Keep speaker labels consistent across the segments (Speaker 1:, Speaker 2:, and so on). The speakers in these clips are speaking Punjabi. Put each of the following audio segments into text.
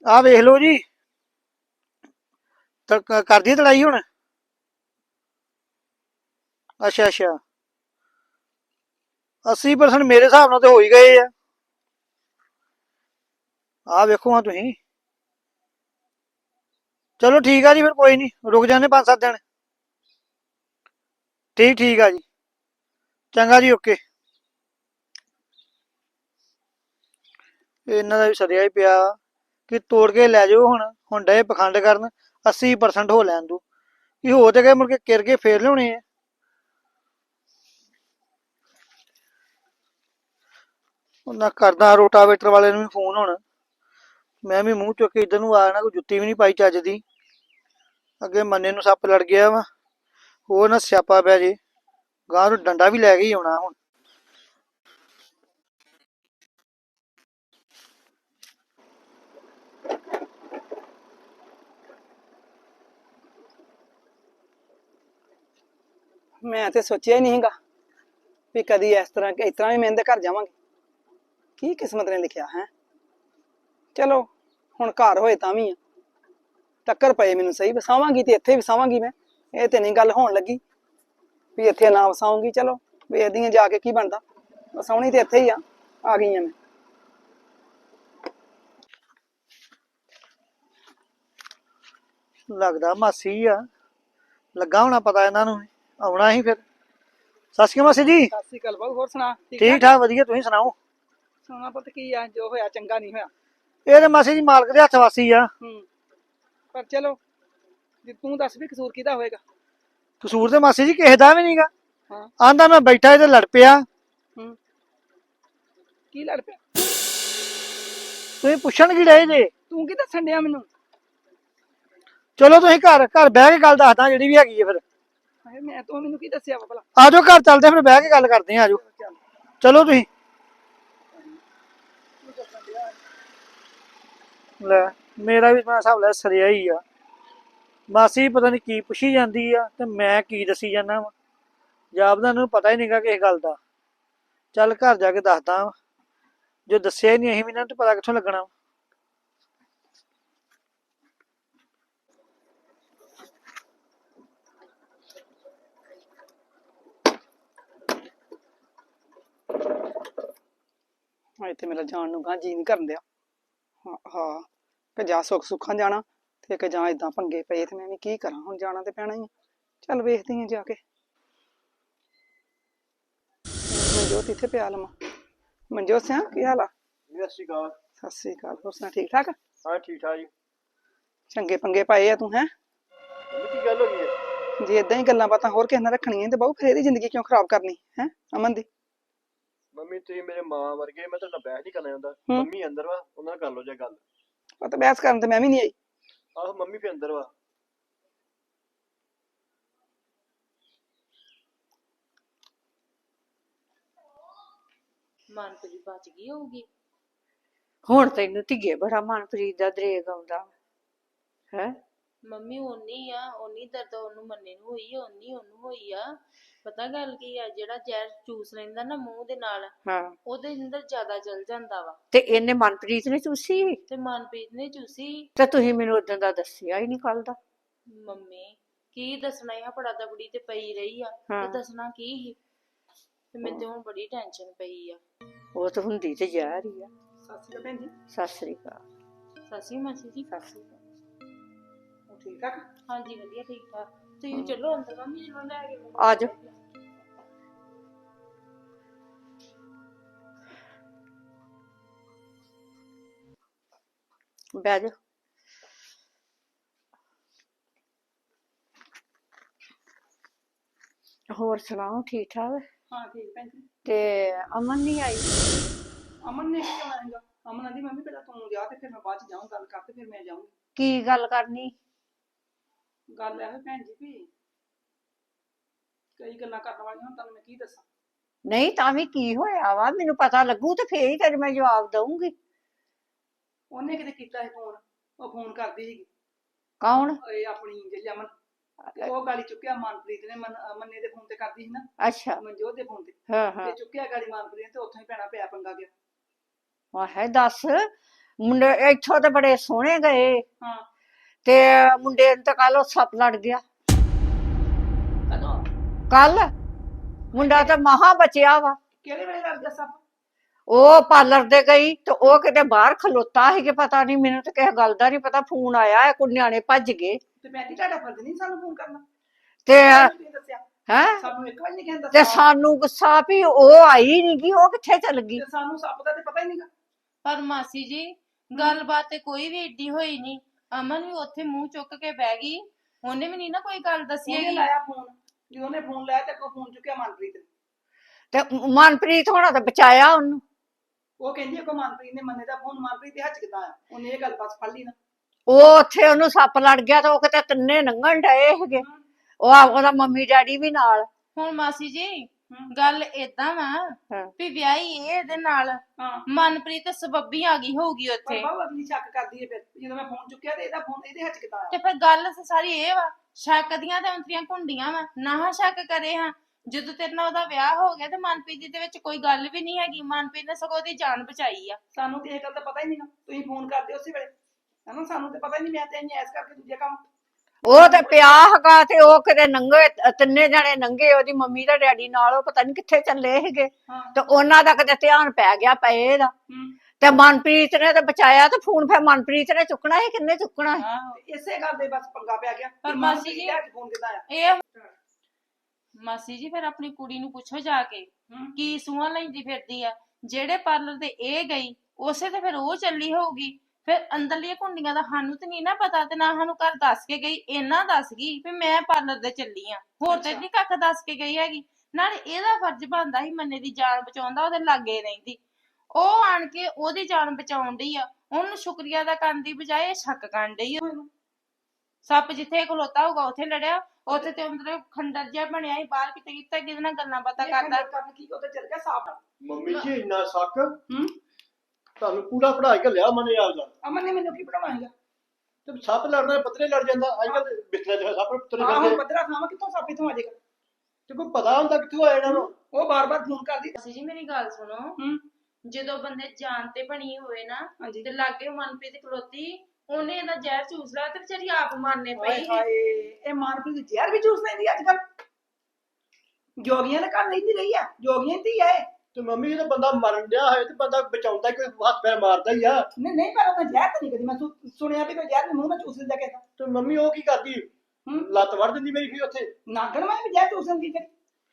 Speaker 1: ਆ ਵੇਖ ਲਓ ਜੀ। ਕਰ ਦੀ ਤੜਾਈ ਹੁਣ। ਅੱਛਾ ਅੱਛਾ, 80% ਮੇਰੇ ਹਿਸਾਬ ਨਾਲ ਤੇ ਹੋ ਹੀ ਗਏ ਆ। ਆ ਵੇਖੋ ਹਾਂ ਤੁਸੀਂ। ਚਲੋ ਠੀਕ ਆ ਜੀ, ਫਿਰ ਕੋਈ ਨਹੀਂ, ਰੁਕ ਜਾਂਦੇ 5-7 ਦਿਨ। ਠੀਕ ਠੀਕ ਆ ਜੀ। ਚੰਗਾ ਜੀ, ਓਕੇ। ਇਹਨਾਂ ਦਾ ਵੀ ਸਰਿਆ ਹੀ ਪਿਆ ਕਿ ਤੋੜ ਕੇ ਲੈ ਜਾਓ। ਹੁਣ ਡੇ ਪਖੰਡ ਕਰਨ 80% ਹੋ ਲੈਣ ਦੋ ਕਿ ਹੋ ਤੇ ਗਏ, ਮੁੜ ਕੇ ਕਿਰ ਕੇ ਫੇਰ ਲਿਆਉਣੇ ਆ। ਉਹਨਾਂ ਕਰਦਾ ਰੋਟਾਵੇਟਰ ਵਾਲੇ ਨੂੰ ਵੀ ਫੋਨ। ਹੁਣ ਮੈਂ ਵੀ ਮੂੰਹ ਚੁੱਕ ਕੇ ਇੱਧਰ ਨੂੰ ਆ ਜਾਣਾ, ਕੋਈ ਜੁੱਤੀ ਵੀ ਨਹੀਂ ਪਾਈ ਚੱਜ ਦੀ। ਅੱਗੇ ਮੰਨੇ ਨੂੰ ਸੱਪ ਲੜ ਗਿਆ ਵਾ, ਹੋਰ ਨਾ ਸਿਆਪਾ ਪੈ ਜੇ। ਗਾਂ ਨੂੰ ਡੰਡਾ ਵੀ ਲੈ ਕੇ ਹੀ ਆਉਣਾ ਹੁਣ।
Speaker 2: ਮੈਂ ਤੇ ਸੋਚਿਆ ਹੀ ਨਹੀਂ ਹੈਗਾ ਵੀ ਕਦੀ ਇਸ ਤਰ੍ਹਾਂ ਵੀ ਮੈਂ ਇਹਦੇ ਘਰ ਜਾਵਾਂਗੀ। ਕੀ ਕਿਸਮਤ ਨੇ ਲਿਖਿਆ ਹੈ। ਚਲੋ ਹੁਣ ਘਰ ਹੋਏ ਤਾਂ ਵੀ ਆ, ਟੱਕਰ ਪਏ ਮੈਨੂੰ ਸਹੀ। ਵਸਾਵਾਂਗੀ ਤੇ ਇੱਥੇ ਵਸਾਵਾਂਗੀ ਮੈਂ, ਇਹ ਤੇ ਨਹੀਂ ਗੱਲ ਹੋਣ ਲੱਗੀ ਵੀ ਇੱਥੇ ਨਾ ਵਸਾਉਂਗੀ। ਚਲੋ ਵੇਖਦੀ ਆ ਜਾ ਕੇ ਕੀ ਬਣਦਾ। ਵਸਾਉਣੀ ਤੇ ਇੱਥੇ ਹੀ ਆ ਗਈ ਆ ਮੈਂ।
Speaker 1: ਲੱਗਦਾ ਮਾਸੀ ਆ, ਲੱਗਾ ਹੋਣਾ ਪਤਾ ਇਹਨਾਂ ਨੂੰ ਆਉਣਾ ਹੀ ਫਿਰ। ਸਤਿ ਸ਼੍ਰੀ ਅਕਾਲ ਮਾਸੀ ਜੀ।
Speaker 2: ਸਤਿ ਸ਼੍ਰੀ ਅਕਾਲ ਬਾਬੂ, ਹੋਰ ਸੁਣਾ?
Speaker 1: ਠੀਕ ਠਾਕ ਵਧੀਆ, ਤੁਸੀਂ ਸੁਣਾਓ?
Speaker 2: ਸੁਣਾ ਪੁੱਤ, ਕੀ ਆ? ਜੋ ਹੋਇਆ ਚੰਗਾ ਨਹੀਂ ਹੋਇਆ।
Speaker 1: ਇਹ ਤੇ ਮਾਸੀ ਜੀ ਮਾਲਕ ਦੇ ਹੱਥ ਵਾਸੀ ਆ।
Speaker 2: ਪਰ ਚਲੋ ਜੇ ਤੂੰ ਦੱਸ ਵੀ ਕਸੂਰ ਕਿਹਦਾ ਹੋਏਗਾ।
Speaker 1: ਕਸੂਰ ਤੇ ਮਾਸੀ ਜੀ ਕਿਸੇ ਦਾ ਵੀ ਨਹੀਂਗਾ।
Speaker 2: ਹਾਂ,
Speaker 1: ਆਂਦਾ ਮੈਂ ਬੈਠਾ ਇਹਦੇ ਲੜ ਪਿਆ।
Speaker 2: ਕੀ ਲੜ ਪਿਆ?
Speaker 1: ਤੁਸੀਂ ਪੁੱਛਣ ਕੀ ਰਹੇ ਜੇ?
Speaker 2: ਤੂੰ ਕੀ ਦੱਸਣ ਡਿਆ ਮੈਨੂੰ?
Speaker 1: ਚਲੋ ਤੁਸੀਂ ਘਰ ਘਰ ਬਹਿ ਕੇ ਗੱਲ ਦੱਸਦਾ ਜਿਹੜੀ ਵੀ ਹੈਗੀ ਹੈ ਫਿਰ।
Speaker 2: ਮੈਂ ਤੂੰ ਮੈਨੂੰ ਕੀ ਦੱਸਿਆ ਵਾ ਭਲਾ?
Speaker 1: ਆ ਜਾਓ ਘਰ ਚੱਲਦੇ, ਫਿਰ ਬਹਿ ਕੇ ਗੱਲ ਕਰਦੇ ਆ। ਆ ਜਾਓ, ਚਲੋ ਤੁਸੀਂ। ਲੈ ਮੇਰਾ ਵੀ ਮੈਂ ਹਿਸਾਬ ਲੈ ਸਰਿਆ ਹੀ ਆ। ਮਾਸੀ ਪਤਾ ਨੀ ਕੀ ਪੁੱਛੀ ਜਾਂਦੀ ਆ ਤੇ ਮੈਂ ਕੀ ਦੱਸੀ ਜਾਂਦਾ ਵਾ। ਜਾਪਦਾ ਨੂੰ ਪਤਾ ਹੀ ਨਹੀਂਗਾ ਕਿਸੇ ਗੱਲ ਦਾ। ਚੱਲ ਘਰ ਜਾ ਕੇ ਦੱਸਦਾ ਵਾ, ਜੋ ਦੱਸਿਆ ਹੀ ਨਹੀਂ ਅਸੀਂ ਵੀ ਨਾ ਤੇ ਪਤਾ ਕਿੱਥੋਂ ਲੱਗਣਾ ਵਾ।
Speaker 2: ਇੱਥੇ ਮੇਰਾ ਜਾਣ ਨੂੰ ਗਾਂ ਜੀ ਨਹੀਂ ਕਰਨ ਦਿਆ। ਹਾਂ ਕਿ ਜਾਂ ਸੁੱਖਾਂ ਜਾਣਾ ਤੇ ਕਿ ਜਾਂ ਏਦਾਂ ਪੰਗੇ ਪਏ ਤੇ ਮੈਂ ਵੀ ਕੀ ਕਰਾਂ। ਹੁਣ ਜਾਣਾ ਤੇ ਪੈਣਾ ਹੀ ਆ। ਚੱਲ ਵੇਖਦੀ ਆ ਜਾ ਕੇ। ਮਨਜੋਤ ਇੱਥੇ ਪਿਆ ਲਵਾਂ। ਮਨਜੋਤ ਸਿਆ, ਕੀ ਹਾਲ ਆ?
Speaker 1: ਸਤਿ ਸ਼੍ਰੀ ਅਕਾਲ।
Speaker 2: ਸਤਿ ਸ੍ਰੀ ਅਕਾਲ, ਹੋਰ ਸੁਣਾ? ਠੀਕ ਠਾਕ?
Speaker 1: ਹਾਂ ਠੀਕ ਠਾਕ ਜੀ।
Speaker 2: ਚੰਗੇ ਪੰਗੇ ਪਾਏ ਆ ਤੂੰ। ਹੈ
Speaker 1: ਕੀ ਗੱਲ ਹੋ ਗਈ ਹੈ?
Speaker 2: ਜੇ ਏਦਾਂ ਹੀ ਗੱਲਾਂ ਬਾਤਾਂ ਹੋਰ ਕਿਸੇ ਨਾਲ ਰੱਖਣੀਆਂ ਤੇ ਬਹੁ ਫਿਰ ਇਹਦੀ ਜ਼ਿੰਦਗੀ ਕਿਉਂ ਖਰਾਬ ਕਰਨੀ ਹੈ ਅਮਨ ਦੀ?
Speaker 1: ਮੰਮੀ ਤੁਸੀਂ ਮੇਰੇ ਮਾਂ ਵਰਗੇ, ਮੈਂ ਤੁਹਾਡਾ ਬਹਿਸ ਨਹੀਂ ਕਰਨਾ ਚਾਹੁੰਦਾ। ਮੰਮੀ ਅੰਦਰ ਵਾ, ਉਹਨਾਂ ਨਾਲ ਕਰ ਲਓ ਜੇ ਗੱਲ।
Speaker 2: ਉਹ ਤਾਂ ਬਹਿਸ ਕਰਨ ਤੇ ਮੈਂ ਵੀ ਨਹੀਂ ਆਈ।
Speaker 1: ਆਹੋ ਮੰਮੀ ਫਿਰ ਅੰਦਰ ਵਾ।
Speaker 3: ਮਨਪ੍ਰੀਤ ਬਚ ਗਈ ਹੋਊਗੀ।
Speaker 4: ਹੁਣ ਤੈਨੂੰ ਧੀਏ ਬੜਾ ਮਨਪ੍ਰੀਤ ਦਾ ਦਰੇਗ ਆਉਂਦਾ ਹੈ।
Speaker 3: ਮੰਮੀ ਓਨੀ ਦਰਦ ਉਹਨੂੰ ਮੰਨੇ ਨੂੰ ਹੋਈ ਆ, ਓਨੀ ਉਹਨੂੰ ਹੋਈ ਆ। ਪਤਾ ਗੱਲ ਕੀ ਆ, ਜਿਹੜਾ ਜ਼ਹਿਰ ਚੂਸ ਲੈਂਦਾ ਨਾ ਮੂੰਹ ਦੇ ਨਾਲ, ਉਹਦੇ ਅੰਦਰ ਜ਼ਿਆਦਾ ਚਲ ਜਾਂਦਾ ਵਾ।
Speaker 4: ਤੇ ਇਹਨੇ ਮਨਪ੍ਰੀਤ ਨੇ ਚੂਸੀ
Speaker 3: ਤੇ ਮਨਪ੍ਰੀਤ ਨੇ ਚੂਸੀ।
Speaker 4: ਤੇ ਤੁਸੀਂ ਮੈਨੂੰ ਉਦੋਂ ਦਾ ਦੱਸਿਆ ਹੀ ਨਹੀਂ ਕੱਲ ਦਾ।
Speaker 3: ਮੰਮੀ ਕੀ ਦੱਸਣਾ ਆ, ਫੜਾ ਦਬੜੀ ਤੇ ਪਈ ਰਹੀ ਆ ਤੇ ਦੱਸਣਾ ਕੀ ਸੀ। ਤੇ ਮੈਨੂੰ ਤੇ ਹੁਣ ਬੜੀ ਟੈਨਸ਼ਨ ਪਈ ਆ।
Speaker 4: ਉਹ ਤਾਂ ਹੁੰਦੀ ਤੇ ਜ਼ਹਿਰ ਹੀ ਆ।
Speaker 2: ਸਤਿ ਸ਼੍ਰੀ ਅਕਾਲ ਭੈਣ ਜੀ।
Speaker 4: ਸਤਿ ਸ੍ਰੀ ਅਕਾਲ।
Speaker 3: ਸਤਿ ਸ਼੍ਰੀ ਮਾਸੀ ਜੀ।
Speaker 4: ਸਤਿ ਸ੍ਰੀ ਅਕਾਲ।
Speaker 2: ਠੀਕ ਠਾਕ?
Speaker 3: ਹਾਂਜੀ ਵਧੀਆ ਠੀਕ ਠਾਕ। ਤੁਸੀਂ ਚਲੋ ਅੰਦਰ, ਮੰਮੀ ਨੂੰ ਲੈ ਕੇ
Speaker 4: ਆ ਜਾਓ। ਬਹਿ ਜਾ। ਹੋਰ ਸੁਣਾਓ, ਠੀਕ ਠਾਕ?
Speaker 2: ਹਾਂ ਠੀਕ ਭੈਣ ਜੀ।
Speaker 4: ਤੇ ਅਮਨ ਨਹੀਂ ਆਈ?
Speaker 2: ਅਮਨ ਨੇ ਕੀ ਆਉਣਾ ਹੈਗਾ? ਅਮਨ ਆਂਦੀ ਮੰਮੀ ਪਹਿਲਾਂ ਤੂੰ ਜਾ ਤੇ ਫਿਰ ਮੈਂ ਬਾਅਦ ਚ ਜਾਊਂ, ਗੱਲ ਕਰ ਤੇ ਫਿਰ ਮੈਂ ਜਾਊਂਗੀ।
Speaker 4: ਕੀ ਗੱਲ ਕਰਨੀ?
Speaker 2: ਗੱਲ ਇਹੋ ਭੈਣ ਜੀ ਵੀ ਕਈ ਗੱਲਾਂ ਕਰਨ ਵਾਲੀਆਂ, ਹੁਣ ਤੁਹਾਨੂੰ ਮੈਂ ਕੀ ਦੱਸਾਂ।
Speaker 4: ਨਹੀਂ ਤਾਂ ਵੀ ਕੀ ਹੋਇਆ ਵਾ, ਮੈਨੂੰ ਪਤਾ ਲੱਗੂ ਤੇ ਫੇਰ ਹੀ ਤੈਨੂੰ ਮੈਂ ਜਵਾਬ ਦਊਂਗੀ।
Speaker 2: ਉਹਨੇ ਕਿਤੇ ਕੀਤਾ ਸੀ ਫੋਨ, ਉਹ ਫੋਨ ਕਰਦੀ ਸੀਗੀ।
Speaker 4: ਕੌਣ?
Speaker 2: ਇਹ ਆਪਣੀ ਜਿਹੜੀ ਅਮਨ, ਤੇ ਉਹ ਗਾਲੀ ਚੁੱਕਿਆ ਮਨਪ੍ਰੀਤ ਨੇ। ਮੰਨੇ ਦੇ ਫੋਨ ਤੇ ਕਰਦੀ ਸੀ ਨਾ।
Speaker 4: ਅੱਛਾ।
Speaker 2: ਮਨਜੋਤ ਦੇ ਫੋਨ ਤੇ।
Speaker 4: ਹਾਂ ਹਾਂ।
Speaker 2: ਤੇ ਚੁੱਕਿਆ ਗਾਲੀ ਮਨਪ੍ਰੀਤ ਨੇ, ਤੇ ਉੱਥੋਂ ਹੀ ਭੈਣਾ ਪਿਆ ਪੰਗਾ ਗਿਆ।
Speaker 4: ਵਾਹ ਦੱਸ, ਮੁੰਡੇ ਇੱਥੋਂ ਤੇ ਬੜੇ ਸੋਹਣੇ ਗਏ
Speaker 2: ਹਾਂ
Speaker 4: ਤੇ ਮੁੰਡੇ ਨੂੰ ਤਾਂ ਕੱਲ ਸੱਪ ਲੜ ਗਿਆ।
Speaker 2: ਕਦੋਂ
Speaker 4: ਕੱਲ ਮੁੰਡਾ ਤਾਂ ਮਹਾ ਬਚਿਆ ਵਾ।
Speaker 2: ਕਿਹੜੇ ਵੇਲੇ ਲੱਗ ਗਿਆ ਸੱਪ?
Speaker 4: ਉਹ ਪਾਰਲਰ ਦੇ ਗਈ ਤੇ ਉਹ ਕਿਤੇ ਬਾਹਰ ਖਲੋਤਾ ਸੀ ਕਿ ਪਤਾ ਨਹੀਂ, ਮੈਨੂੰ ਤਾਂ ਕਿਸੇ ਗੱਲ ਦਾ ਨਹੀਂ ਪਤਾ। ਫੋਨ ਆਇਆ ਕੋਈ ਨਿਆਣੇ ਭੱਜ ਗਏ
Speaker 2: ਤੇ ਮੈਂ ਕੀ ਤੁਹਾਡਾ ਫਰਜ਼ ਨਹੀਂ ਸਾਨੂੰ ਫੋਨ ਕਰਨਾ?
Speaker 4: ਤੇ
Speaker 2: ਤੁਸੀਂ ਦੱਸਿਆ
Speaker 4: ਹੈ
Speaker 2: ਸਾਨੂੰ ਇੱਕ ਵਾਰ ਨਹੀਂ ਕਹਿੰਦਾ
Speaker 4: ਤੇ ਸਾਨੂੰ ਗੁੱਸਾ ਵੀ ਉਹ ਆਈ ਨਹੀਂ ਗਈ, ਉਹ ਕਿੱਥੇ ਚੱਲ ਗਈ।
Speaker 2: ਤੇ ਸਾਨੂੰ ਸੱਪ ਦਾ ਤੇ ਪਤਾ ਹੀ ਨਹੀਂਗਾ।
Speaker 3: ਪਰ ਮਾਸੀ ਜੀ ਗੱਲਬਾਤ ਤੇ ਕੋਈ ਵੀ ਏਡੀ ਹੋਈ ਨਹੀਂ। ਅਮਨ ਵੀ ਉੱਥੇ ਮੂੰਹ ਚੁੱਕ ਕੇ ਬਹਿ ਗਈ, ਉਹਨੇ ਵੀ ਨਹੀਂ ਨਾ ਕੋਈ ਗੱਲ ਦੱਸੀ
Speaker 2: ਉਹਨੇ
Speaker 3: ਹੈਗੀ।
Speaker 2: ਲਾਇਆ ਫੋਨ, ਜਦੋਂ ਉਹਨੇ ਫੋਨ ਲਾਇਆ ਤੇ ਕੋ ਫੋਨ ਚੁੱਕਿਆ ਮਨਪ੍ਰੀਤ ਨੇ।
Speaker 4: ਤੇ ਮਨਪ੍ਰੀਤ ਹੋਣਾ ਤਾਂ ਬਚਾਇਆ ਉਹਨੂੰ।
Speaker 2: ਉਹ ਕਹਿੰਦੀ ਕੋ ਮਨਪ੍ਰੀਤ ਨੇ ਮੰਨੇ ਦਾ ਫੋਨ ਮਨਪ੍ਰੀਤ ਦੇ ਹੱਥ ਕਿਦਾਂ ਆ? ਉਹਨੇ ਇਹ ਗੱਲ ਬਸ ਫੜ ਲਈ ਨਾ।
Speaker 4: ਉਹ ਉੱਥੇ ਉਹਨੂੰ ਸੱਪ ਲੜ ਗਿਆ ਤੇ ਉਹ ਕਿਤੇ ਤਿੰਨੇ ਲੰਘਣ ਡਏ ਹੈਗੇ। ਉਹਦਾ ਮੰਮੀ ਡੈਡੀ ਵੀ ਨਾਲ।
Speaker 3: ਹੁਣ ਮਾਸੀ ਜੀ ਗੱਲ ਏਦਾਂ ਵਾ
Speaker 4: ਹਾਂ।
Speaker 3: ਵੀ ਵਿਆਹੀ ਇਹਦੇ ਨਾਲ
Speaker 2: ਹਾਂ
Speaker 3: ਮਨਪ੍ਰੀਤ ਸਬੱਬੀ ਆ ਗਈ ਹੋਊਗੀ
Speaker 2: ਪਰ
Speaker 3: ਉੱਥੇ।
Speaker 2: ਬਾਬੂ ਅਗਲੀ ਸ਼ੱਕ ਕਰਦੀ ਹੈ। ਫਿਰ ਜਦੋਂ ਮੈਂ ਫੋਨ ਚੁੱਕਿਆ ਤੇ ਇਹਦਾ ਫੋਨ ਇਹਦੇ ਹੱਥ ਕਿਦਾਂ ਆ?
Speaker 3: ਤੇ ਫਿਰ ਗੱਲ ਸਾਰੀ ਇਹ ਵਾ, ਸ਼ੱਕ ਦੀਆਂ ਤੇ ਅੰਤਰੀਆਂ ਘੁੰਡੀਆਂ ਵਾ ਨਾ ਸ਼ੱਕ ਕਰੇ ਹਾਂ। ਜਦੋਂ ਤੇਰੇ ਨਾਲ ਉਹਦਾ ਵਿਆਹ ਹੋ ਗਿਆ ਤੇ ਮਨਪ੍ਰੀਤ ਦੀ ਦੇ ਵਿੱਚ ਕੋਈ ਗੱਲ ਵੀ ਨਹੀਂ ਹੈਗੀ। ਮਨਪ੍ਰੀਤ ਨੇ ਸਗੋਂ ਉਹਦੀ ਜਾਨ ਬਚਾਈ ਆ।
Speaker 2: ਸਾਨੂੰ ਤੇ ਇਹ ਗੱਲ ਦਾ ਪਤਾ ਹੀ ਨਹੀਂਗਾ। ਤੁਸੀਂ ਫੋਨ ਕਰਦੇ ਉਸੇ ਵੇਲੇ ਹਨਾ, ਸਾਨੂੰ ਤੇ ਪਤਾ ਹੀ ਨਹੀਂ। ਮੈਂ ਤੇ ਐਸ ਕਰਕੇ ਦੂਜੇ ਕੰਮ
Speaker 4: ਉਹ ਤੇ ਪਿਆ ਹੈਗਾ ਤੇ ਉਹ ਕਿਤੇ ਨੰਗੇ ਤਿੰਨੇ ਜਣੇ ਨੰਗੇ, ਉਹਦੀ ਮੰਮੀ ਤੇ ਡੈਡੀ ਨਾਲ। ਉਹ ਪਤਾ ਨਹੀਂ ਕਿੱਥੇ ਚੱਲੇ ਹੈਗੇ
Speaker 2: ਹਾਂ
Speaker 4: ਤੇ ਉਹਨਾਂ ਦਾ ਕਿਤੇ ਧਿਆਨ ਪੈ ਗਿਆ ਪਏ ਦਾ।
Speaker 2: ਹੂੰ
Speaker 4: ਤੇ ਮਨਪ੍ਰੀਤ ਨੇ ਤੇ ਬਚਾਇਆ ਤੇ ਫੋਨ ਫਿਰ ਮਨਪ੍ਰੀਤ ਨੇ ਚੁੱਕਣਾ ਸੀ, ਕਿੰਨੇ ਚੁੱਕਣਾ ਸੀ?
Speaker 3: ਆਹੋ।
Speaker 2: ਤੇ ਇਸੇ ਗੱਲ ਦੇ ਬਸ ਪੰਗਾ ਪਿਆ ਗਿਆ।
Speaker 3: ਪਰ
Speaker 2: ਕਿ
Speaker 3: ਮਾਸੀ
Speaker 2: ਮਨਪ੍ਰੀਤ
Speaker 3: ਜੀ
Speaker 2: ਦੇ ਹੱਥ ਫੋਨ ਕਿਦਾਂ ਆ?
Speaker 3: ਇਹ ਮਾਸੀ ਜੀ ਫਿਰ ਆਪਣੀ ਕੁੜੀ ਨੂੰ ਪੁੱਛੋ ਜਾ ਕੇ
Speaker 2: ਹੂੰ
Speaker 3: ਕੀ ਸੂਹਾਂ ਲੈਂਦੀ ਫਿਰਦੀ ਆ। ਜਿਹੜੇ ਪਾਰਲਰ ਤੇ ਇਹ ਗਈ ਉਸੇ ਤੇ ਫਿਰ ਉਹ ਚੱਲੀ ਹੋਊਗੀ। ਫਿਰ ਅੰਦਰਲੀਆਂ ਕੁੰਡੀਆਂ ਦਾ ਸਾਨੂੰ ਤੇ ਨਹੀਂ ਨਾ ਪਤਾ, ਤੇ ਨਾ ਸਾਨੂੰ ਘਰ ਦੱਸ ਕੇ ਗਈ। ਇਹਨਾਂ ਦੱਸ ਗਈ ਵੀ ਮੈਂ ਪਾਰਲਰ ਦੇ ਚੱਲੀ ਆ, ਹੋਰ ਤੇ ਨਹੀਂ ਕੱਖ ਦੱਸ ਕੇ ਗਈ ਹੈਗੀ। ਨਾਲੇ ਇਹਦਾ ਫਰਜ਼ ਬਣਦਾ ਸੀ ਮੰਨੇ ਦੀ ਜਾਨ ਬਚਾਉਂਦਾ, ਉਹਦੇ ਲਾਗੇ ਰਹਿੰਦੀ। ਉਹ ਆਣ ਕੇ ਉਹਦੀ ਜਾਨ ਬਚਾਉਣ ਡਈ ਆ, ਉਹਨੂੰ ਸ਼ੁਕਰੀਆ ਦਾ ਕਰਨ ਦੀ ਬਜਾਏ ਸ਼ੱਕ ਕਰਨ ਡਈ ਆ ਉਹਨੂੰ। ਸੱਪ ਜਿੱਥੇ ਖਲੋਤਾ ਹੋਊਗਾ ਉੱਥੇ ਲੜਿਆ। ਉੱਥੇ ਤੇ ਅੰਦਰ ਖੰਡਰ ਜਿਹਾ ਬਣਿਆ ਸੀ, ਬਾਹਰ ਕਿਤੇ ਕਿਤੇ ਕਿਹਦੇ ਨਾਲ ਗੱਲਾਂ ਬਾਤਾਂ ਕਰਦਾ।
Speaker 2: ਕਰਨ ਕੀ ਉਹਦੇ ਚੱਲ ਗਿਆ ਸਾਫ।
Speaker 5: ਮੰਮੀ ਜੀ ਇੰਨਾ ਸ਼ੱਕ
Speaker 2: ਹੂੰ
Speaker 5: ਤੁਹਾਨੂੰ ਪੂਰਾ ਪੜ੍ਹਾ ਕੇ ਲਿਆ ਮਨੇ ਆਪਦਾ।
Speaker 2: ਅਮਨ ਨੇ ਮੈਨੂੰ ਕੀ ਪੜਾਉਣਾ ਹੈਗਾ?
Speaker 5: ਤੇ ਸੱਪ ਲੜਨਾ ਪੱਤਰੇ ਲੜ ਜਾਂਦਾ ਅੱਜ ਕੱਲ ਬਿਸਤਰਾ ਜਿਹੜਾ ਸੱਪ ਪੱਤਰੇ
Speaker 2: ਆਹ
Speaker 5: ਲੜਦੇ।
Speaker 2: ਪੱਧਰਾ ਥਾਵਾਂ ਕਿੱਥੋਂ ਸੱਪ ਇੱਥੋਂ ਆ ਜਾਏਗਾ?
Speaker 5: ਤੇ ਕੋਈ ਪਤਾ ਹੁੰਦਾ ਕਿੱਥੋਂ ਆਇਆ ਇਹਨਾਂ ਨੂੰ?
Speaker 2: ਉਹ ਬਾਰ-ਬਾਰ ਫੋਨ ਕਰਦੀ।
Speaker 3: ਮਾਸੀ ਜੀ ਮੇਰੀ ਗੱਲ ਸੁਣੋ,
Speaker 2: ਹੂੰ
Speaker 3: ਜਦੋਂ ਬੰਦੇ ਜਾਨ ਤੇ ਬਣੀ ਹੋਵੇ ਨਾ
Speaker 2: ਹਾਂਜੀ।
Speaker 3: ਤੇ ਲਾਗੇ ਮਨਪ੍ਰੀਤ ਖਲੋਤੀ, ਉਹਨੇ ਇਹਦਾ ਜ਼ਹਿਰ ਚੂਸ ਲਿਆ ਤੇ ਵਿਚਾਰੀ ਆਪ ਮਾਰਨੇ
Speaker 2: ਹਾਏ
Speaker 3: ਪਈ।
Speaker 2: ਹਾਏ, ਇਹ ਮਾਨਪ੍ਰੀਤ ਜ਼ਹਿਰ ਵੀ ਚੂਸ ਲੈਂਦੀ ਅੱਜ ਕੱਲ। ਜੋਗੀਆਂ ਦੇ ਘਰ ਰਹਿੰਦੀ ਰਹੀ ਆ, ਜੋਗੀਆਂ ਦੀ ਆ ਇਹ।
Speaker 5: ਤੇ ਮੰਮੀ ਜਦੋਂ ਬੰਦਾ ਮਰਨ ਡਿਆ ਹੋਏ ਤੇ ਬੰਦਾ ਬਚਾਉਂਦਾ ਕੋਈ ਹੱਥ ਪੈਰ ਮਾਰਦਾ ਹੀ ਆ।
Speaker 2: ਨਹੀਂ ਪਰ ਉਹਨੇ ਜ਼ਹਿਰ ਤਾਂ ਨਹੀਂ ਕਦੀ ਮੈਂ ਸੁਣਿਆ ਵੀ ਕੋਈ ਜ਼ਹਿਰ ਵੀ ਮੂੰਹ ਨਾਲ ਚੂਸ ਲੈਂਦਾ ਕਿਸੇ।
Speaker 5: ਤੇ ਮੰਮੀ ਉਹ ਕੀ ਕਰਦੀ? ਲੱਤ ਵੜ ਦਿੰਦੀ ਮੇਰੀ ਫਿਰ ਉੱਥੇ।
Speaker 2: ਨਾਗਣ ਮੈਂ ਵੀ ਜ਼ਹਿਰ ਚੂਸ ਲੈਂਦੀ ਫਿਰ।